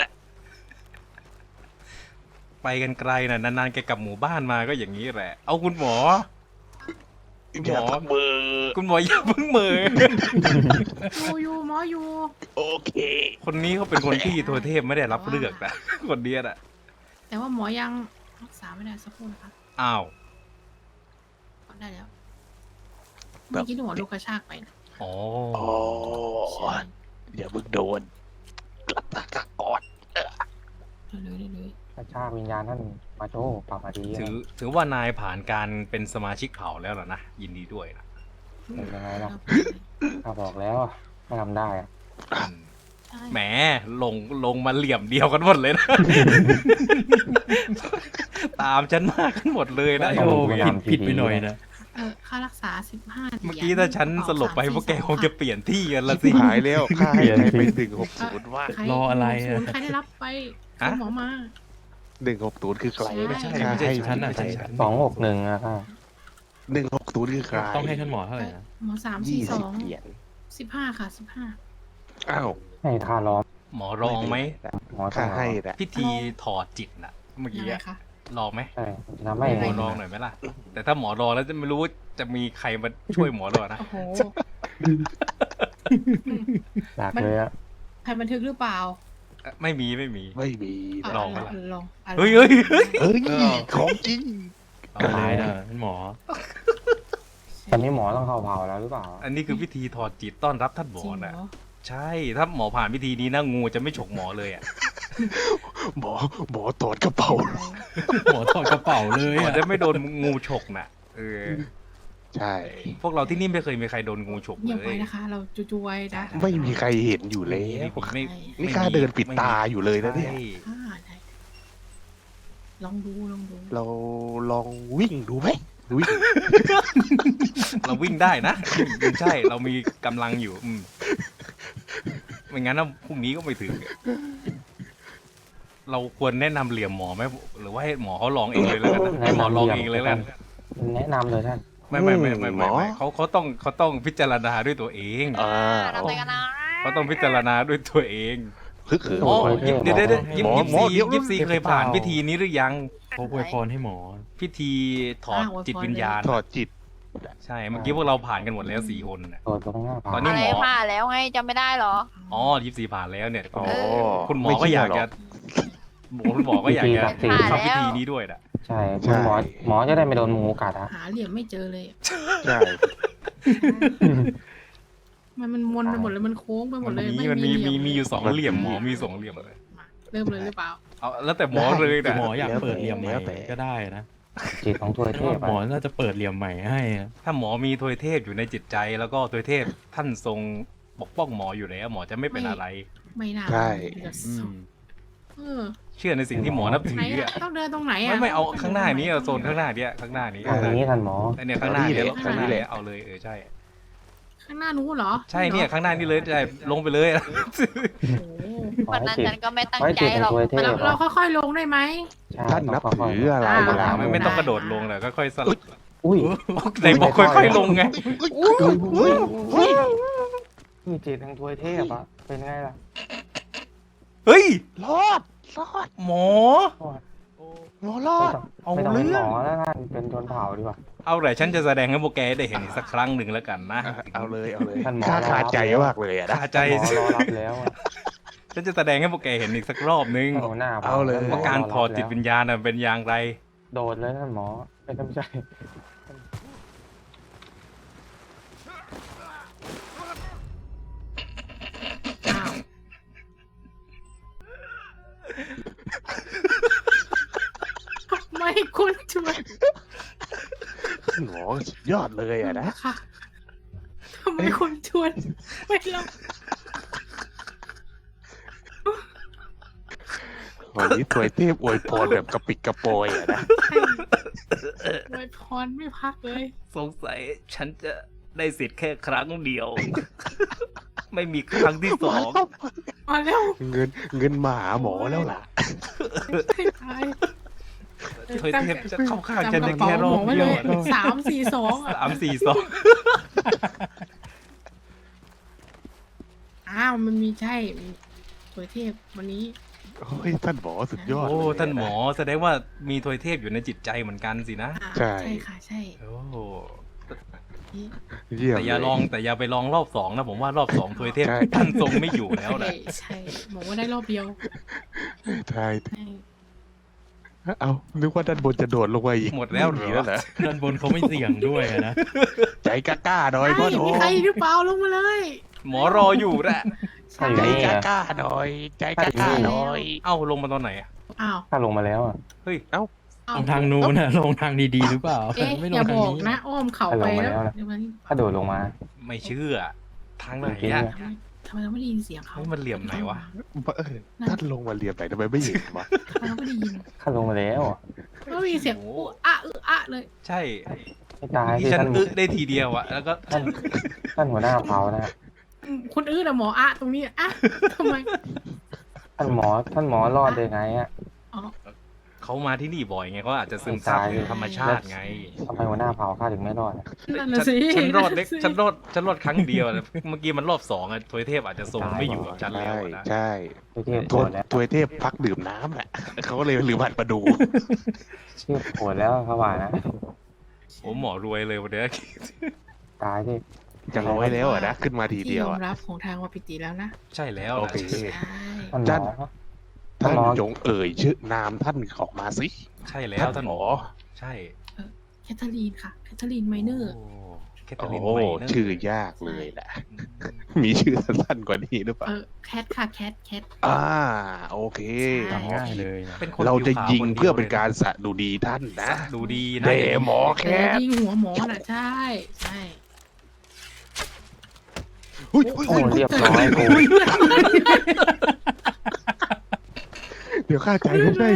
Speaker 3: ไปกันไกลนะนานๆแกกลับหมู่บ้านมาก็อย่างนี้แหละ เอาคุณหมอ
Speaker 1: อย่าทำเบอร์
Speaker 3: คุณหมออย่าเพิ่งเหมอ
Speaker 5: อยู่อยู่หมออยู่
Speaker 1: โอเค
Speaker 3: คนนี้เขาเป็นคนที่ทวยเทพไม่ได้รับเลือกนะ คนเดียน่ะ
Speaker 5: แต่ว่าหมอยังรักษาไม่ได้สักครู่นะคะ
Speaker 3: อ้าว
Speaker 5: ได้แล้วเมื่อกี้หนูลูกกระชากไปนะ
Speaker 3: อ๋อ
Speaker 1: อ๋อ
Speaker 5: ใช่
Speaker 1: อย่ามึงโดนกลับตากก่อน
Speaker 5: เลยเลยเลย
Speaker 2: กระชากวิญญาณท่านมาโชว์ปรับมาดีอะ
Speaker 3: ถือถือว่านายผ่านการเป็นสมาชิกเผ่าแล้วเหรอนะ ยินดีด้วยนะ
Speaker 2: เป็นยังไงล่ะข้าบอกแล้วอะถ้าทำได้อะ
Speaker 3: อืม
Speaker 5: ใช่
Speaker 3: แหมลงลงมาเหลี่ยมเดียวกันหมดเลยนะ ตามฉันมากันหมดเลยนะ
Speaker 4: โอ้ผิดผิดไปหน่อยนะ
Speaker 5: เออค่ารักษาสิบห้า
Speaker 3: เมื่อกี้ถ้าฉันสลบไปพวกแกคงจะเปลี่ยนที่กันละสิ
Speaker 1: หายแล้วค่าให้ใครไปหนึ่งหกศูนย์ว่า
Speaker 4: รออะไรอะ
Speaker 5: ใครได้รับไป
Speaker 3: ฮะ
Speaker 5: คุณหมอมา
Speaker 1: หนึ่งหกศูนย์คือใคร
Speaker 3: ไม่ใช่
Speaker 1: ค่า
Speaker 3: ไม่ใช่
Speaker 1: ให้
Speaker 3: ฉัน
Speaker 4: ไม่
Speaker 3: ไม่
Speaker 4: ใช่
Speaker 3: ใช่
Speaker 4: ฉั
Speaker 3: ฉั
Speaker 4: น
Speaker 3: น
Speaker 2: สองหกหนึ่งอะค่ะ
Speaker 1: หนึ่งหกศูนย์คือใคร
Speaker 4: ต้องให้ท่านหมอเท่าไหร่นะ
Speaker 5: หมอสามสี่
Speaker 1: ยี่
Speaker 5: ส
Speaker 1: สิ
Speaker 5: อบ ง
Speaker 1: เหรียญ
Speaker 5: สิบห้าค่ะสิบห้า
Speaker 1: อ้าว
Speaker 2: ให้ค่าล้อม
Speaker 3: หมอลองไหม
Speaker 2: หมอต้
Speaker 1: ค่า
Speaker 2: อง
Speaker 1: ให้นะ
Speaker 3: พิธีถอดจิตน่ะ เมื่อ
Speaker 5: ยั
Speaker 3: กี้
Speaker 5: งไง
Speaker 3: อะ
Speaker 5: คะ
Speaker 3: ลองไหม
Speaker 2: ใช่จะทำให้
Speaker 3: หมอลองหน่อยไหมล่ะ แต่ถ้าหมอลองแล้วจะไม่รู้ว่าจะมีใครมาช่วยหมอหรอนะ
Speaker 5: โอ้โห
Speaker 2: อยากเลยอะ
Speaker 5: ใครบันทึกหรือเปล่า
Speaker 3: ไม่มีไม่มี
Speaker 1: ไม่มี
Speaker 5: ะ
Speaker 1: นะ
Speaker 3: ลองไหมล่ะ
Speaker 5: ลองอ่ะ
Speaker 3: เฮ้ยเฮ้ยเฮ้ย
Speaker 1: เอ้ย
Speaker 4: เออ
Speaker 1: ของจริง
Speaker 4: ตายนะท่านหมอ
Speaker 2: ตอนนี้หมอต้องเข้าเผาแล้วหรือเปล่า
Speaker 3: อันนี้คือพิธีถอดจิตต้อนรับท่านหม
Speaker 5: จ
Speaker 3: อ
Speaker 5: ริงเหร
Speaker 3: นะ
Speaker 5: อ
Speaker 3: ใช่ ถ้าหมอผ่านพิธีนี้นะงูจะไม่ฉกหมอเลยอ่ะ
Speaker 1: หมอหมอตรวจกระเป๋า
Speaker 4: หมอถอดกระเป๋าเลย
Speaker 3: หมอ
Speaker 4: อะ
Speaker 3: จะไม่โดนงูฉกน่ะ เออ
Speaker 1: ใช่
Speaker 3: พวกเราที่นี่ไม่เคยมีใครโดนงูฉก
Speaker 5: เงี
Speaker 3: เลย
Speaker 5: บไว้
Speaker 3: ย
Speaker 5: นะคะ เราจุๆไว้นะ
Speaker 1: ไม่มีใครเห็นอยู่แล้ว
Speaker 3: ไม่
Speaker 1: นี่ข้าเดินปิดตาอยู่เลยนะเนี่ย
Speaker 3: ใช่
Speaker 5: อ่าได้ลองดูลองดู
Speaker 1: เราลองวิ่งดูไหมวิ่ง
Speaker 3: เราวิ่งได้นะใช่ เรามีกำลังอยู่ อืมไม่งั้นนะพรุ่งนี้ก็ไม่ถึง เราควรแนะนำเหลี่ยมหมอไหมหรือว่าให้หมอเขาลองเองเลยแล้วกันนะให้หมอลองเองเลยแล้วกัน
Speaker 2: แนะนำเลยท่าน
Speaker 3: ไม่ไม่ไม่ไม่ไม่ไม่เขาเขาต้องเขาต้องพิจารณาด้วยตัวเอง
Speaker 1: อ่า
Speaker 6: เราไปกันนะ
Speaker 3: เขาต้องพิจารณาด้วยตัวเอง
Speaker 1: คือคือ
Speaker 2: โอ้
Speaker 3: อ๋อ
Speaker 2: โห
Speaker 3: ยิบเดี๋ยวเดี๋ยวเดี๋ยวยิบ
Speaker 1: หมอ
Speaker 3: ยิบ
Speaker 1: หมอ
Speaker 3: ซี
Speaker 1: เดี๋ยว
Speaker 3: ยิบซีเคยผ่านพิธีนี้หรือยัง
Speaker 4: เขาอวยพรให้หมอ
Speaker 3: พิธีถอดจิตวิญญาณ
Speaker 1: ถอดจิต
Speaker 3: ใช่ เมื่อกี้พวกเราผ่านกันหมดแล้วสี่คนน่ะ
Speaker 2: ตรวจตรงหน้าเผา
Speaker 3: ตอนนี้
Speaker 6: อะไรผ่านแล้วไงจำไม่ได้เหรอ
Speaker 3: อ๋อยิบซีผ่านแล้วเนี่ย
Speaker 1: อ๋อ
Speaker 3: คุณหมอ
Speaker 1: ไม่
Speaker 3: ก็
Speaker 1: เชื่
Speaker 3: อยาก
Speaker 1: หร
Speaker 3: จะคุณหมอก็อยากจะ
Speaker 2: พิธีศักดิ์สิทธิ์
Speaker 3: ทำพิธีนี้ด้วยน่ะ
Speaker 2: ใช่คุณหมอหมอจะได้ไม่โดนงูกัดอะ
Speaker 5: หาเหลี่ยมไม่เจอเลย
Speaker 1: ใช่
Speaker 5: มันมันมนไปหมดเลยมันโค้งไปหม
Speaker 3: มั
Speaker 5: ด
Speaker 3: น
Speaker 5: เลย
Speaker 3: มี
Speaker 5: ไ
Speaker 3: มันมีมีมีอยู่
Speaker 5: เห
Speaker 3: สองเหลี่ยมหมอมีสองเหลี่ยมเลย
Speaker 5: มาเริ่มเลยหรือเปล่า
Speaker 3: เอาแล้วแต่หมอเลยนะ
Speaker 4: หมออยากเปิดเหลี่ยมใหม่ก็ได้นะ
Speaker 2: จิตของตัวเทพ
Speaker 4: หมอ
Speaker 2: อะ
Speaker 4: น่าจะเปิดเหลี่ยมใหม่ให้นะ
Speaker 3: ถ้าหมอมีทวยเทพอยู่ในจิตใจ แล้วก็ทวยเทพท่านทรงปกป้องหมออยู่แล้วหมอจะไม่เป็นอะไร
Speaker 5: ไม่น่า
Speaker 1: ใช่
Speaker 5: เดือด
Speaker 3: อื
Speaker 5: สอ
Speaker 3: ม
Speaker 5: งเออ
Speaker 3: เชื่อในสิ่งที่หมอนับถื
Speaker 5: ไหน
Speaker 3: อ
Speaker 5: อะ
Speaker 3: อ่ะ
Speaker 5: ต้องเดินตรงไหนอะ
Speaker 3: ไม่ไม่เอาข้างหน้านี้เอาโซนข้างหน้าเนี้ยข้างหน้านี้
Speaker 2: อันนี้ท่านหมอ
Speaker 3: ไอเนี่ยข้างหน้าเนี้ย
Speaker 1: เอา
Speaker 3: ข้างหน้า
Speaker 1: นี่แหละ
Speaker 3: เนี้ยเอาเลยเออใช่
Speaker 5: ข้างหน้านู้นเหรอ
Speaker 3: ใช่เนี่ยข้างหน้านี่เลยใช่ลงไปเลย
Speaker 5: โอ้โห
Speaker 2: ขอ
Speaker 6: วัน
Speaker 2: ให้
Speaker 6: นั้น
Speaker 2: จิต
Speaker 6: ฉันก็ไม่ตั้ง
Speaker 2: ขอให้
Speaker 6: ใจ
Speaker 2: จิตข
Speaker 6: หร
Speaker 2: อ
Speaker 6: อง ก
Speaker 2: ตัวเท
Speaker 5: เรา
Speaker 2: พ
Speaker 5: เรา
Speaker 2: อะ
Speaker 5: ค่อยๆลงได้ไหม
Speaker 2: ใช่
Speaker 1: ท่านนับ
Speaker 2: ค่อย
Speaker 1: ถืออะไร
Speaker 5: อ่า
Speaker 1: เวลา
Speaker 3: ไม่ไม่ต้องกระโดดลงเลยค่อยๆสลับ
Speaker 2: ๆอุ้ย
Speaker 3: ไหนบอกค่อยๆลงไง
Speaker 2: อุ้ยอุ้ยอุ้ยนี่จิตของตัวเทพอะเป็นไงล่ะ
Speaker 3: เฮ้ย
Speaker 1: รอดรอด
Speaker 3: หมอ
Speaker 1: หมอรอด
Speaker 3: เอา
Speaker 2: ไม่ต้องเป็น
Speaker 3: เรื่
Speaker 2: ห
Speaker 3: อ
Speaker 2: ม
Speaker 3: ง
Speaker 2: อแล้วท่านเป็นชนเผ่าดีกว่า
Speaker 3: เอาเลยฉันจะแสดงให้พวกแกได้เห็นอีกสักครั้งหนึ่งแล้วกันนะ
Speaker 1: อ่ะเอาเลยเอาเลย
Speaker 2: ท่านหมอ
Speaker 1: ข้าขาดใจ
Speaker 2: รอรับ
Speaker 1: มากเลยอะนะ
Speaker 3: คาใจ
Speaker 2: หมอรอรับแล้วอะ
Speaker 3: ฉันจะแสดงให้พวกแกเห็นอีกสักรอบนึง
Speaker 2: เอาหน้า
Speaker 1: เอาเลย
Speaker 2: ท่นหม
Speaker 3: ว่าการถอดจิตวิญญาณน่ะเป็นอย่างไร
Speaker 2: โดดเลยท่านหมอไม่ต้องใช่
Speaker 5: อ้าวไม่คุณช่วย
Speaker 1: หมอสุดยอดเลยอะนะ
Speaker 5: ค่ะทำไมคุณชวนไม่ลง
Speaker 1: วันนี้ถวยเทพอวยพรแบบกระปิดกระโปอยอะนะ
Speaker 5: ไวยพรไม่พักเลย
Speaker 3: สงสัยฉันจะได้สิทธิ์แค่ครั้งเดียว ไม่มีครั้งที่สอง
Speaker 5: มาแล้ว
Speaker 1: เงินเงินมาหาหมอแล้วล่ะ
Speaker 5: ให้ตาย
Speaker 3: ถวยเทพจะเข้าข้างฉันได้แค่รอบ
Speaker 5: จำกะ
Speaker 3: เดียว
Speaker 5: ป๋าหมอไว้เลยสามสี่สองอ่ะ
Speaker 3: สามสี่สอง
Speaker 5: อ้าวมันมีใช่สวยเทพวันนี้
Speaker 1: โอ้ยท่านหมอสุดยอด
Speaker 3: โอ้
Speaker 1: เลยะ
Speaker 3: ท่านหมอแสดงว่ามีทวยเทพอยู่ในจิตใจเหมือนกันสินะ
Speaker 5: อ่า
Speaker 1: ใช่
Speaker 5: ใช่ค่ะใช่
Speaker 3: โอ้
Speaker 5: นี่
Speaker 1: เยี่ยม
Speaker 3: แต่อย่า
Speaker 1: เล
Speaker 3: ลองแต่อย่าไปลองรอบสองนะผมว่ารอบสองทวยเทพ
Speaker 1: ใช่
Speaker 3: ท่านทรงไม่อยู่แล้วนะ
Speaker 5: ใช่ใช่บอกว่าได้รอบเดียว
Speaker 1: ใช่
Speaker 5: ใช่
Speaker 1: เอานึกว่าด้านบนจะโดดลงมาอีก
Speaker 3: หมดแล้วเหร
Speaker 1: นี
Speaker 3: อ
Speaker 1: แล้วเหรอ
Speaker 4: ด้านบนเขาไม่เสี่ยงด้วยอะนะ
Speaker 1: ใจกล้าๆหน่อยพ่อ
Speaker 5: ไอ้
Speaker 1: โถ
Speaker 5: มีใครหรือเปล่าลงมาเลย
Speaker 3: หมอรออยู่แหละ
Speaker 2: ถ้าอยู่
Speaker 1: ใจ
Speaker 2: นี่อะ
Speaker 1: กล้าๆหน่อย ใจกล้าๆหน่อย
Speaker 3: เอ้าลงมาตอนไหนอะ
Speaker 5: อ้าว
Speaker 2: ถ้าลงมาแล้วอะ
Speaker 3: เฮ้ย
Speaker 5: อ้าว
Speaker 4: ลงทางนู้นนะลงทางดีๆหรือเปล่า
Speaker 5: เอ๊ะ
Speaker 4: ไม่ล
Speaker 5: อย่าง
Speaker 4: ทา
Speaker 5: บ
Speaker 4: ง
Speaker 5: อก
Speaker 4: นี้
Speaker 5: นะ อ้อมเขาไปแล้วเดี๋ยวมัน
Speaker 2: ถ้าโดดลงมา
Speaker 3: ไม่เชื่อ ทางไหน
Speaker 2: จริง
Speaker 3: อะ
Speaker 2: ๆ
Speaker 5: ทำไมเราไม่ได้ยินเสียงเขา
Speaker 3: เฮ้ยมันเหลี่ยมไหนวะ
Speaker 1: เออท่านลงมาเรียนไหนทำไมไม่เห็นวะ
Speaker 5: ทำไมเราไม่ได้ยิน
Speaker 2: ถ้าลงมาแล้วอะ
Speaker 5: ก็มีเสียงอุอะอึอะเลย
Speaker 3: ใช่
Speaker 2: ไม่ตาย
Speaker 3: ที่
Speaker 2: ที่
Speaker 3: ฉัน
Speaker 2: ท่าน
Speaker 3: อึได้ทีเดียวอะแล้วก็
Speaker 2: ท่านท่านหัวหน้าเผานะ
Speaker 5: อืมคุณอื้อนะหมออะตรงนี้อะทำไม
Speaker 2: ท่านหมอท่านหมอรอดได้ไงอะ
Speaker 5: อ๋อ
Speaker 3: เขามาที่นี่บ่อยไงเขาอาจจะซึมซับธรรมชาติไง
Speaker 2: ทำไมหัวหน้าเผ่าข้าถึงไม่รอดอะ
Speaker 5: นั่นน่ะ
Speaker 3: ฉัน
Speaker 5: สิ
Speaker 3: ฉันรอดเล็ก
Speaker 5: นั่นน่ะสิ
Speaker 3: ฉันรอดฉันรอดครั้งเดียวนะเมื่อกี้มันรอบสองอะทวยเทพอาจจะทรงไม่อยู่กับฉันแล้
Speaker 1: ใช่
Speaker 3: วนะ
Speaker 1: ใช่
Speaker 2: ไม่เทียบ
Speaker 1: ท
Speaker 2: โห
Speaker 1: ว
Speaker 2: ดแล้ว
Speaker 1: ทวยเทพพักดื่มน้ำแหละเขาก็เลยลืมหัดมาดู
Speaker 2: เทียบโหดแล้วเขาว่านะ
Speaker 3: โอ้หมอรวยเลยวันเนี้ย
Speaker 2: ตายที่
Speaker 1: จะร้อยแล้วอะนะขึ้นมาที
Speaker 5: ที่
Speaker 1: เดีย
Speaker 5: ยว อม
Speaker 1: อะ
Speaker 5: รับของทางวาปิติแล้วนะ
Speaker 3: ใช่แล้ว
Speaker 1: โอ
Speaker 3: นะ
Speaker 1: เค
Speaker 5: ใช่
Speaker 2: ท่านหม
Speaker 1: จั
Speaker 2: อน
Speaker 1: ท่าน
Speaker 2: หมอ
Speaker 1: จงเอ่ยชื่อนามท่านออกมาสิ
Speaker 3: ใช่แล้วท่านหมอใช่
Speaker 5: แคทเธอรีนค่ะแคทเธอรีนไมเนอร์
Speaker 3: โอ้แคทเธอ
Speaker 1: โอ้
Speaker 3: รีน
Speaker 1: โห
Speaker 3: ไมเนอร์
Speaker 1: ชื่อยากเลยแหละ
Speaker 3: อืม
Speaker 1: มีชื่อสั้นๆกว่านี้หรือเปล่า
Speaker 5: เออแคทค่ะแคทแคท
Speaker 1: อ่าโอเค
Speaker 5: ใช่
Speaker 4: จำง่ายเลยนะ
Speaker 3: เป็นคน
Speaker 1: เราจะ
Speaker 3: ผิวขาว
Speaker 1: ยิง
Speaker 3: คนดียว
Speaker 1: เพื่อเป็นการสะดุดีท่านนะ
Speaker 3: ดูดีนะ
Speaker 1: เดหมอแค
Speaker 5: แต่
Speaker 1: ท
Speaker 5: ยิงหัวหมอน่ะใช่ใช่
Speaker 1: อุ้ยอุ้ย
Speaker 2: โอ้
Speaker 1: อุ้ย
Speaker 2: เรียบร้อยกู
Speaker 1: เดี๋ยวข้าใจไม่ได้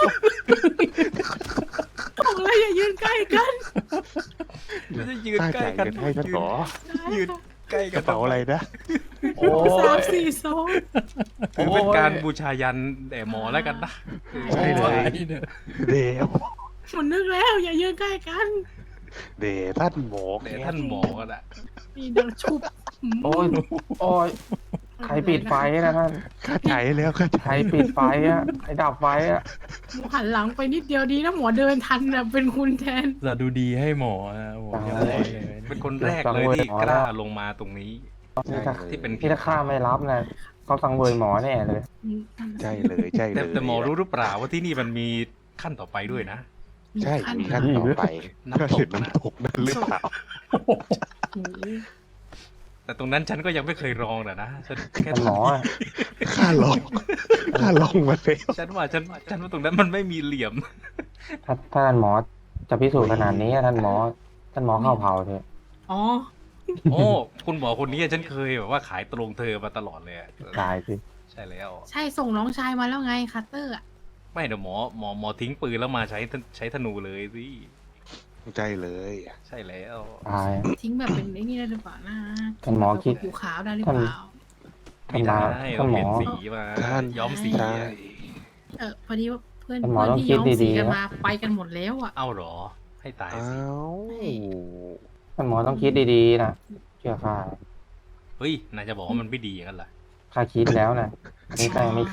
Speaker 5: ของอะไรอย่ายืนใกล้กัน
Speaker 3: ไม่ได้ยืน
Speaker 1: ข้า
Speaker 3: ใก
Speaker 1: ใจ
Speaker 3: ล้กัน
Speaker 1: กันให้ท่านหมอ
Speaker 3: ยืนใกล้
Speaker 1: ก
Speaker 3: กั
Speaker 1: ระ
Speaker 3: น
Speaker 1: เป๋าอะไรนะ
Speaker 2: โอ้
Speaker 5: สามสี่สอง
Speaker 3: ถือเป็นการบูชายันแด่หมอแล้วกันนะ
Speaker 1: ใช่เลย เด
Speaker 5: มันนึกแล้วอย่ายืนใกล้กัน
Speaker 1: เดท่านหมอแค
Speaker 3: แต่
Speaker 1: ท
Speaker 3: ท่านหมอกันอะ
Speaker 5: นี่เดินชุบ
Speaker 2: โอ้ยโอ้ยใครปิดไฟนะท่าน
Speaker 1: ข้าใจแล้วข้าใจ
Speaker 2: ใครปิดไฟอะใครดับไฟอะ
Speaker 5: หมอหันหลังไปนิดเดียวดีนะหมอเดินทันน่ะเป็นคุณแทน
Speaker 4: จะดูดีให้หมอนะโอ้โหเรียบร้อยเลย
Speaker 3: เป็นคนแรกเลยที่กล้าลงมาตรงนี้
Speaker 2: นี่ถ้า
Speaker 3: ที่เป็น
Speaker 2: ที่ถ้าข้าไม่รับนะเขาสังเวยหมอแน่เลย
Speaker 1: ใช่เลยใช่เล
Speaker 3: แต่
Speaker 1: ย
Speaker 3: แต่หมอรู้หรือเปล่าว่าที่นี่มันมีขั้นต่อไปด้วยนะ
Speaker 1: ใช่มีขั้นต่อไป
Speaker 3: น้ำตก
Speaker 1: ก็เห็นน้ำตกนั่นหรือเปล่า
Speaker 5: โอ้โห
Speaker 3: แต่ตรงนั้นฉันก็ยังไม่เคยลองนะนะฉันแค่
Speaker 2: ท่านหมออะ
Speaker 1: ข้าลองข้าลองมาแล้ว
Speaker 3: ฉันว่าฉันฉันว่าตรงนั้นมันไม่มีเหลี่ยม
Speaker 2: ถ้าถ้าท่านหมอจะพิสูจน์ขนาดนี้อะท่านหมอ ท่านหมอเข้าเผาเถอะ
Speaker 5: อ๋อ
Speaker 3: โอ้คุณหมอคนนี้ฉันเคยแบบว่าขายตรงเธอมาตลอดเลยอะ
Speaker 2: ตายสิ
Speaker 3: ใช่แล้ว
Speaker 5: ใช่ส่งน้องชายมาแล้วไงคัตเตอร์อ่ะ
Speaker 3: ไม่เดี๋ยวหมอหมอหมอทิ้งปืนแล้วมาใช้ใช้ธนูเลยสิ
Speaker 1: ใช่เลย
Speaker 3: ใช่แล้ว
Speaker 2: ตาย
Speaker 5: ทิ้งแบบเป็นไอ้นี่ได้หรือเปล่านะ
Speaker 2: ท่านหมอคิด
Speaker 5: ผิวขาวได้หรือเปล่า
Speaker 3: ไม่ได้
Speaker 2: ท่า
Speaker 3: เรา
Speaker 2: นหม
Speaker 3: เปลี่
Speaker 2: อ
Speaker 3: ยนสีมา
Speaker 1: ท่าน
Speaker 3: ย้อมสี
Speaker 1: ใช่
Speaker 3: อะ
Speaker 5: เออพอดีว่าเพื่อน
Speaker 2: ท่านหมอ
Speaker 5: เพื่อน
Speaker 2: ต้อง
Speaker 5: ที่
Speaker 2: คิด
Speaker 5: ย้อมสี
Speaker 2: ดีๆ
Speaker 5: กัน
Speaker 2: นะ
Speaker 5: มาไปกันหมดแล้วอ่ะ
Speaker 3: เอาเหรอ ให้ตาย
Speaker 1: อ้า
Speaker 3: สิ
Speaker 1: ว
Speaker 2: ท่านหมอต้องคิดดีๆนะเชื่อข้า
Speaker 3: เฮ้ยนายจะบอกว่ามันไม่ดีอย่างนั้นเหรอ
Speaker 2: ข้าคิดแล้วนะอันนี่ข้ายังไม่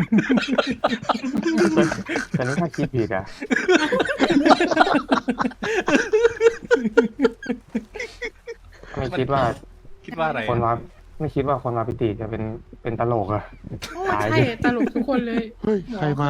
Speaker 2: ตอนนี้ข้าคิดผิดอ่ะ ไม่คิดว่า
Speaker 3: คิดว่าอะไร
Speaker 2: คนมาไม่คิดว่าคนมาพิติจะเป็นเป็นตลกอะ
Speaker 5: โอ้
Speaker 2: ตาย
Speaker 5: ใช่
Speaker 2: ดิ
Speaker 5: ตลกทุกคนเลย
Speaker 1: เฮ้ย
Speaker 5: หมอ
Speaker 1: ใครมา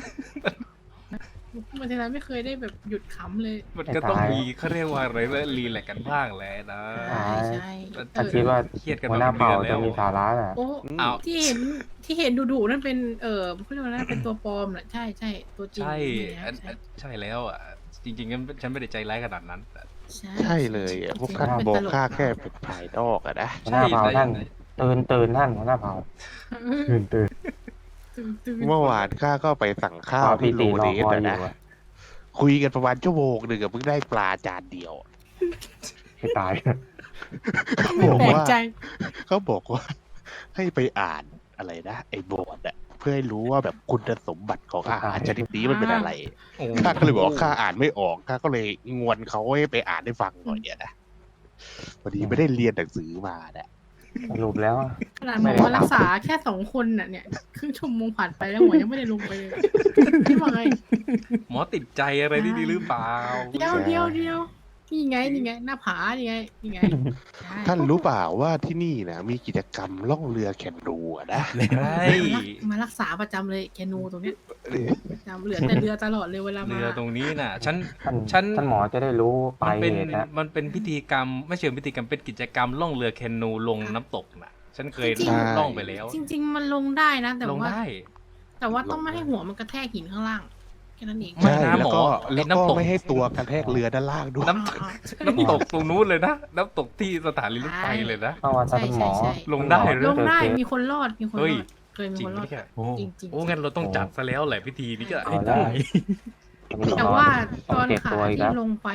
Speaker 5: มันทีไรไม่เคยได้แบบหยุดขำเลย
Speaker 3: มันก็ต้องมีเขาเรียกว่าอะไรแล้วรีแลกซ์กันบ้างแหละนะ
Speaker 5: ใช่ใช่
Speaker 2: ข้าคิดว่า
Speaker 3: เครียดกัน
Speaker 2: หัว
Speaker 3: มา
Speaker 2: หน้า
Speaker 3: เป็น
Speaker 2: เผ่า
Speaker 3: เดือนแล้
Speaker 2: จะ
Speaker 3: ว
Speaker 2: มีสาระอ่ะ
Speaker 5: โอ้
Speaker 3: อ้าว
Speaker 5: ที่เห็นที่เห็นดุๆนั่นเป็นเออเขาเรียกว่านั่นเป็นตัวปลอมแหละใช่ใช่ตัวจริง
Speaker 3: ใช่
Speaker 5: เนี่ย
Speaker 3: อัน
Speaker 5: ใช่
Speaker 3: อันใช่แล้วอ่ะ จริงๆงั้นฉันไม่ได้ใจร้ายขนาดนั้นแต่
Speaker 5: ใช่
Speaker 1: ใช่เลยอะพวกท่าน
Speaker 5: เป็น
Speaker 1: บอก
Speaker 5: ตล
Speaker 1: ข้าแค่เป็นภายนอกอะนะ
Speaker 2: หัวหน้าเผ่าท่าน
Speaker 3: ได้
Speaker 2: ตื่นตื่นท่านหัวหน้าเผ่า
Speaker 5: เออ
Speaker 2: ตื่นตื่น
Speaker 5: ตื่นตื่น
Speaker 1: เมื่อวานข้าก็ไปสั่งข้าว
Speaker 2: เผ่าพิ
Speaker 1: ที่โร
Speaker 2: ติร
Speaker 1: เด
Speaker 2: อ
Speaker 1: ส
Speaker 2: คอย
Speaker 1: อะ
Speaker 2: อยู่
Speaker 1: นะ
Speaker 2: อะ
Speaker 1: คุยกันประมาณชั่วโมงหนึ่งอะเพิ่งได้ปลาจานเดียว
Speaker 2: ให้ตาย
Speaker 1: เขา
Speaker 5: ไม่
Speaker 1: บอก
Speaker 5: แปลก
Speaker 1: ว่า
Speaker 5: ใจ
Speaker 1: เขาบอกว่า ให้ไปอ่านอะไรนะไอ้บอร์ดอะเพื่อให้รู้ว่าแบบคุณสมบัติของอาหารชนิดนี้มันเป็นอะไร
Speaker 3: โอ้
Speaker 1: ข้าก็เลยบอกว่าข้าอ่านไม่ออกข้าก็เลยงวนเขาให้ไปอ่านให้ฟังหน่อยเนี่ยนะพอดีไม่ได้เรียนหนังสือมาเนี่ย
Speaker 2: สรุปแล้ว
Speaker 5: ขนาดหมอมารักษาแค่สองคนน่ะเนี่ยครึ่งชั่วโมงผ่านไปแล้วหมอยังไม่ได้ลงไปเลยพี่ว่าไง
Speaker 3: หมอติดใจอะไรนี่ดีหรือเปล่า
Speaker 5: เดียวเดียวเดียวนี่ไงนี่ไง หน้าผานี่ไงนี่ไงใช่
Speaker 1: ท่านรู้เปล่าว่าที่นี่นะมีกิจกรรมล่องเรือแข่งรูอะนะ
Speaker 3: ใช่
Speaker 5: มารักษาประจำเลยแคนูตรงเนี้ยประจำเหลือแต่เรือตลอดเลยเวลามา
Speaker 3: เรือตรงนี้น่ะ ฉัน
Speaker 2: ท่าน
Speaker 3: ฉัน
Speaker 2: ท่านหมอจะได้รู้ไป
Speaker 3: มันเป็น
Speaker 2: เหตุนะ
Speaker 3: มันเป็นพิธีกรรมไม่เชิงพิธีกรรมเป็นกิจกรรมล่องเรือแคนูลงน้ำตกน่ะ ฉันเคย
Speaker 5: จริงๆ
Speaker 3: ล่องไปแล้ว
Speaker 5: จริง ๆ มันลงได้นะ แต่
Speaker 3: ลง
Speaker 5: ว่า
Speaker 3: ได้
Speaker 5: แต่ว่าต้องไม่ให้หัวมันกระแทกหินข้างล่างแค่นั้นเอง
Speaker 3: ไม่
Speaker 1: ใช่
Speaker 3: นะ
Speaker 1: แล้ว
Speaker 3: หม
Speaker 1: ก็
Speaker 3: อ
Speaker 1: แล้ว
Speaker 3: ไอ้
Speaker 1: ก็
Speaker 3: น้ำตก
Speaker 1: ไม่ให้ตัวกระแทกเรือด้านล่างด้วย
Speaker 3: น้ำ
Speaker 5: อ่า
Speaker 3: น้ำตกตรงนู้นเลยนะ น้ำตกที่สถานีรถไฟเลยนะ
Speaker 2: เพราะว่าถ้า
Speaker 5: ใช่
Speaker 2: ท่านหม
Speaker 5: ใช่
Speaker 2: อ
Speaker 5: ใช่
Speaker 3: ลงได้
Speaker 2: ท่านหมอ
Speaker 5: ลงได้
Speaker 2: เจอเคส
Speaker 5: มีคนรอดมีคนร
Speaker 3: เฮ้ย
Speaker 5: อดเคยมี
Speaker 3: จริ
Speaker 5: ค
Speaker 3: ง
Speaker 5: นรอด
Speaker 3: ไหมเนี่ย
Speaker 4: โอ้
Speaker 5: จริงจริง
Speaker 3: โอ้งั้นเราต้องจัดซะแล้วแหละพิธีนี้ก็
Speaker 2: เอา
Speaker 3: ให้
Speaker 2: ได้
Speaker 3: ได้
Speaker 5: แต่ว่า
Speaker 2: ต้
Speaker 5: ต
Speaker 2: อง
Speaker 5: อน
Speaker 2: เก็บ
Speaker 5: ขา
Speaker 2: ตัวอีก
Speaker 5: ที่
Speaker 2: แล้ว
Speaker 5: ลงไปอ่ะ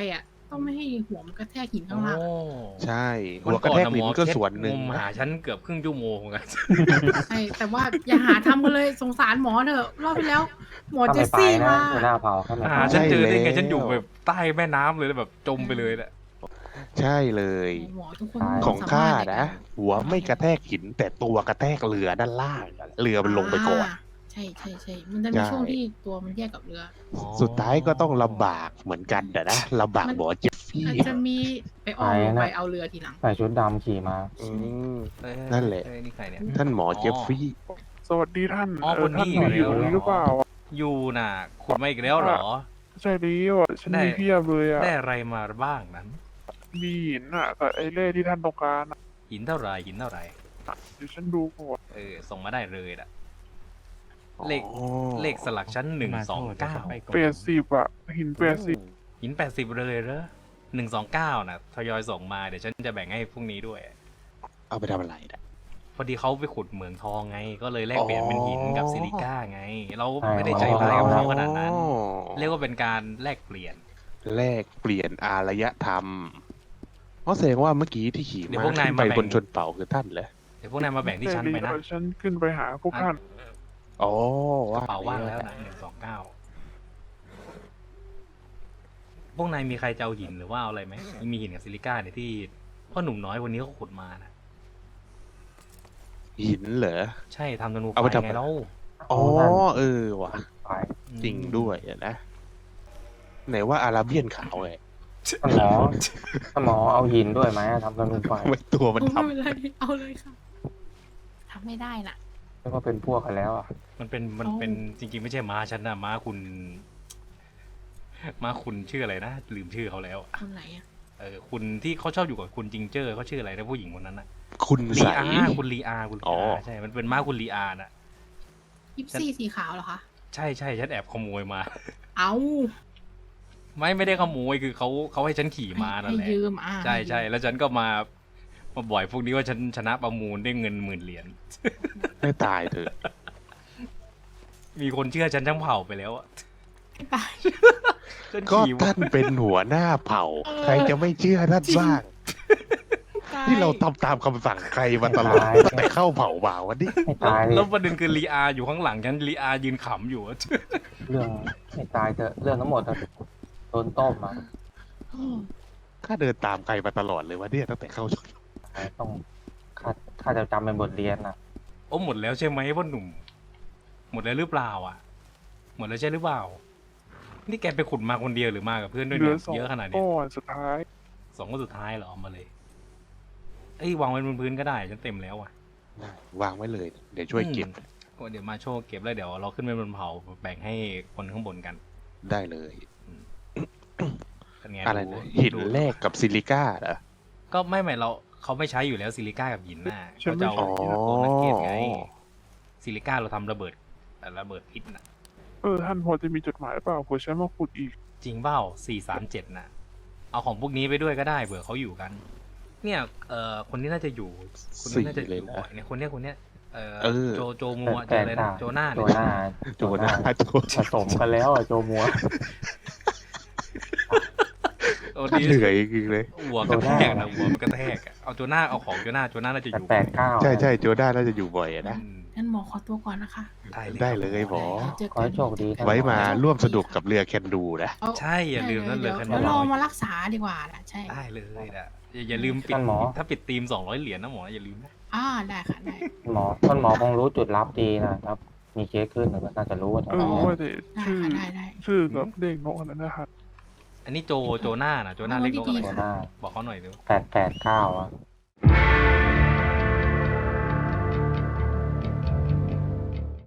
Speaker 5: ต้องไม่ให้หัวมันกระแทกหินข้างล่าง
Speaker 3: โอ้
Speaker 1: ใช่หัวกระแทกลิ้นก็ส่วนหนึ่ง
Speaker 3: งม
Speaker 1: นะ
Speaker 3: หาฉันเกือบครึ่งชั่วโมงเหมือนกัน
Speaker 5: ใช่แต่ว่าอย่าหาทำกันเลยสงสารหมอเถอะรอบที่แล้ว หมอ
Speaker 2: ถ้า
Speaker 5: เจ
Speaker 2: ไม่
Speaker 5: ส
Speaker 2: ไป
Speaker 5: ซี่
Speaker 2: นะ
Speaker 5: มา
Speaker 2: หัวหน้าเผาถ้าไม่
Speaker 3: หา
Speaker 2: ไป
Speaker 3: ฉันเจอได้ไง
Speaker 1: ใช่แล้ว
Speaker 3: ฉันอยู่แบบใต้แม่น้ำเลยแล้วแบบจมไปเลยแหละ
Speaker 1: ใช่เลย
Speaker 5: หมอทุกคน
Speaker 1: ของข้านะ
Speaker 5: สมรถ
Speaker 1: หัวไม่กระแทกหิน แต่ตัวกระแทกเรือด้านล่างอะเรือมันลงไปก่อน
Speaker 5: าใช่ใช่ใช่มันจะมี
Speaker 1: ใช่
Speaker 5: ช่วงที่ตัวมันแยกกับเรือ
Speaker 1: สุดท้ายก็ต้องลำบากเหมือนกันแต่นะลำบากหมอเจฟฟี่
Speaker 5: อาจจะมีไปอ้อมลงไปเอาเรือทีหลัง
Speaker 2: ใส่ชุดดำขี่มา
Speaker 1: อืม
Speaker 3: เอ้ย
Speaker 1: นั่นแหละ
Speaker 3: เอ้ยนี่ใครเนี่ย
Speaker 1: ท่านหมอเจฟฟี่
Speaker 7: สวัสดีท่าน
Speaker 3: อ๋อ
Speaker 7: เอ
Speaker 3: ค
Speaker 7: อน ท่าน
Speaker 3: นี้
Speaker 7: อยู่
Speaker 3: อยู่แล้ว
Speaker 7: ตรงนี้หรือเปล่า
Speaker 3: อยู่น่ะขุดมาอีกแล้วเหรอ
Speaker 7: ใช่แล้วอ่ะฉัน
Speaker 3: ได้
Speaker 7: มีเพียบเลยอ่ะ
Speaker 3: ได้อะไรมาบ้างนั้น
Speaker 7: มีหินอ่ะกับไอ้เล่ที่ท่านต้องการอะ
Speaker 3: หินเท่าไหรหินเท่าไหร
Speaker 7: เดี๋ยวฉันดูก่อน
Speaker 3: เออส่งมาได้เลยล่ะ เลข
Speaker 1: อ๋อ
Speaker 3: เลขสลักชั้นหนึ่งสองเก้า
Speaker 7: แปดสิบอ่ะหินแปดสิบ
Speaker 3: หินแปดสิบเลยเหรอหนึ่งสองเก้านะทยอยส่งมาเดี๋ยวฉันจะแบ่งให้พรุ่งนี้ด้วย
Speaker 1: เอาไปทำอะไรนะ
Speaker 3: พอดีเขาไปขุดเหมืองทองไง ก็เลยแลกเปลี่ยนเป็นหินกับซิลิก้าไง เรา
Speaker 2: ใช่
Speaker 3: ไม่ได้ใจร้ายกับเขาขนาดนั้น เรียกว่าเป็นการแลกเปลี่ยน
Speaker 1: แลกเปลี่ยนอารยธรรมเพราะแสดงว่าเมื่อกี้ที่ขี่
Speaker 3: เดี๋ยว
Speaker 1: มา
Speaker 3: พวกนาย
Speaker 1: ขึ้นไป
Speaker 3: มาแบ่ง
Speaker 1: บนชนเป่าคือท่านเหรอ
Speaker 3: เดี๋ยวพวกนายมาแบ่งที่ชั้นไปนะ
Speaker 7: เดี๋ยวฉันขึ้นไปหาพวกท่าน
Speaker 1: อ๋อก
Speaker 3: ระเป๋าว่างแล้วนะหนึ่งสองเก้าพวกนายมีใครจะเอาหินหรือว่าเอาอะไรไหมมีหินกับซิลิก้าเนี่ยที่พ่อหนุ่มน้อยคนนี้เขาขุดมานะ
Speaker 1: หินเหรอ
Speaker 3: ใช่ทำธนูไฟ
Speaker 1: เอาไปทำ
Speaker 3: ไงแล้ว
Speaker 1: อ๋อเออว่ะ
Speaker 2: ไป
Speaker 1: จริงด้วยอะนะไหนว่าอาราเบียนขาวไง
Speaker 2: ท่านหมอท่านหมอเอาหินด้วยไหมทำธนูไฟ
Speaker 1: ทำไมตัวมัน
Speaker 5: โอ้
Speaker 1: ท
Speaker 5: ไม่เป็นไรเอาเลยค่ะทำไม่ได้น่ะ
Speaker 2: เรียกว่าเป็นพวกกันแล้วอ่ะ
Speaker 3: มันเป็นมันเป็นจริงๆไม่ใช่ม้าฉันนะม้าคุณ ม้าคุณชื่ออะไรนะลืมชื่อเขาแล้ว
Speaker 5: คนไหนอ่ะ
Speaker 3: เออคุณที่เขาชอบอยู่กับคุณจิงเจอร์เขาชื่ออะไรนะผู้หญิงคนนั้นนะ
Speaker 1: ำคุณ
Speaker 3: ลี
Speaker 1: ใส
Speaker 3: อาคุณลีอาคุณลี
Speaker 1: อ๋อ
Speaker 3: อาใช่มันเป็นม้าคุณลีอาน่ะ
Speaker 5: ยิปซี่สีขาวเหรอคะ
Speaker 3: ใช่ใช่ฉันแอบขโมยมา
Speaker 5: เอา
Speaker 3: ไม่ไม่ได้ขโมยคือเขาเขาให้ฉันขี่มานั่น
Speaker 5: ให้
Speaker 3: แหละ
Speaker 5: ยืมอ่า
Speaker 3: ใช่ใช่แล้วฉันก็มามาบ่อยพวกนี้ว่าฉันชนะประมูลได้เงินหมื่นเหรียญ
Speaker 1: ไม่ตายเถอะ
Speaker 3: มีคนเชื่อฉันทั้งเผ่าไปแล้วอะ
Speaker 5: ไม่ไป
Speaker 3: ฉัน
Speaker 1: ก็
Speaker 3: ขี่มา
Speaker 1: ท่านเป็นหัวหน้าเผ่า
Speaker 5: เออ
Speaker 1: ใครจะไม่เชื่อท่านบ้าง
Speaker 5: ตาย
Speaker 1: ที่เราทำตามคำสั่งใครมาตลอด
Speaker 2: ตาย
Speaker 1: ตั้งแต่เข้าเผ่ามาวันนี้
Speaker 2: ให้
Speaker 3: แล้ว
Speaker 2: ตายเล
Speaker 3: แล้ว
Speaker 2: ย
Speaker 3: ประเด็นคือลีอาอยู่ข้างหลังฉันลีอายืนขำอยู่อะ
Speaker 2: เรื่องให้ตายเถอะเรื่องทั้งหมดอะโดนต้มมา
Speaker 1: ข้าเดินตามใครมาตลอดเลยวันนี้ตั้งแต่เข้าชน
Speaker 2: ต้องข้าข้าจะจำเป็นบทเรียนนะ
Speaker 3: โอ้หมดแล้วใช่ไหมพ่อหนุ่ม หมดแล้วหรือเปล่าอ่ะ หมดแล้วใช่หรือเปล่า นี่แกไปขุดมาคนเดียวหรือมากับเพื่อนด้วย
Speaker 7: เหลื
Speaker 3: เนี่
Speaker 7: อย สอง
Speaker 3: เยอะขนาดนี้
Speaker 7: ก้อนสุดท้าย
Speaker 3: สองคนสุดท้ายเหรอเอามาเลยเอ้ยวางไว้บนพื้นก็ได้ฉันเต็มแล้วอ่ะ
Speaker 1: วางไว้เลย เดี๋ยวช่วยเก็บ
Speaker 3: อืมก็เดี๋ยวมาโชว์เก็บแล้วเดี๋ยวเราขึ้นไปบนเผาแบ่งให้คนข้างบนกัน
Speaker 1: ได้เลย
Speaker 3: เป็นไง
Speaker 1: อะไร
Speaker 3: ดู
Speaker 1: นะหิน
Speaker 3: ดู
Speaker 1: แรกกับซิลิก้าเหรอ
Speaker 3: ก็ไม่ไม่เราเขาไม่ใช้อยู่แล้วซิลิก้ากับหินน่ะ
Speaker 7: ฉัน
Speaker 3: เขา
Speaker 7: ไม่
Speaker 3: จะเอา
Speaker 7: ใช้
Speaker 3: โอนักเกตไงซิลิก้าเราทำระเบิดเอ่อระเบิดพิษน่ะ
Speaker 7: เออท่านพอจะมีจดหมายหรือเปล่าเผื่อฉันมาขุดอีก
Speaker 3: จริงเปล่าสี่สามเจ็ดน่ะ เอาของพวกนี้ไปด้วยก็ได้เผื่อเขาอยู่กัน เนี่ย เอ่อ คนนี้น่าจะอยู่ คนนี้น่าจะอยู่บ่อยเนี่ย คนเนี้ย คนเนี้ย เอ่อ
Speaker 1: เออ
Speaker 3: โจ โจมัวโจอะไรนะ โจหน้า
Speaker 2: โจ
Speaker 3: เนี่ย
Speaker 2: หน้า
Speaker 1: โจหน้าโจ
Speaker 2: ผสมกันแล้วอะโจมัว
Speaker 3: โอ้
Speaker 1: ท่าน
Speaker 3: ดี
Speaker 1: เหนื่อยจริงๆเลย
Speaker 3: หัวกระแทกนะหัวมันกระแทกอะเอาโจหน้า เอาของโจหน้า โจหน้าน่าจะอยู่
Speaker 2: แปดเก้า
Speaker 1: ใช่ใช่โจด้าน่าจะอยู่บ่อยอะนะ
Speaker 3: อืม
Speaker 5: งั้นหมอขอตัวก่อนนะคะ
Speaker 3: ได้เลย
Speaker 1: ได้เลยหมอ
Speaker 5: เจอ
Speaker 2: ขอ
Speaker 5: กั
Speaker 2: ให้โชคดีท่น
Speaker 1: ไว้มา
Speaker 2: หอ
Speaker 1: ร่วมสนุกกับเรือแคนดูนะ
Speaker 5: เอา
Speaker 3: ใช่อย่าลืมนั่นเลย
Speaker 5: ดี๋ว
Speaker 3: คัน
Speaker 5: เดี๋ยว
Speaker 3: นี้
Speaker 5: รอมารักษาดีกว่าล่ะใช่
Speaker 3: ได้เลยนะอย่าอย่าลืมปิด
Speaker 2: ท่านหมอ
Speaker 3: ถ้าปิดทีมสองร้อยเหรียญนะหมออย่าลืมนะ
Speaker 5: อ่าได้ค่ะได้
Speaker 2: หมอท่านหมอคงรู้จุดลับดีนะครับ มีเคสขึ้นหรือว่าน่าจะรู้ว่า
Speaker 7: เออ
Speaker 2: ทำไม
Speaker 7: ว่าแต่
Speaker 5: ได้
Speaker 7: ชื่อ
Speaker 5: ค่ะได้ได้
Speaker 7: ชื่อกับเลขนกอันนั้นนะครับ
Speaker 3: อันนี้โจ โจหน้านะโจหน้าเล็กนกอะไร
Speaker 2: โจหน้า
Speaker 3: บอกเขาหน่อยดู
Speaker 2: แปดแปดเก้าอะ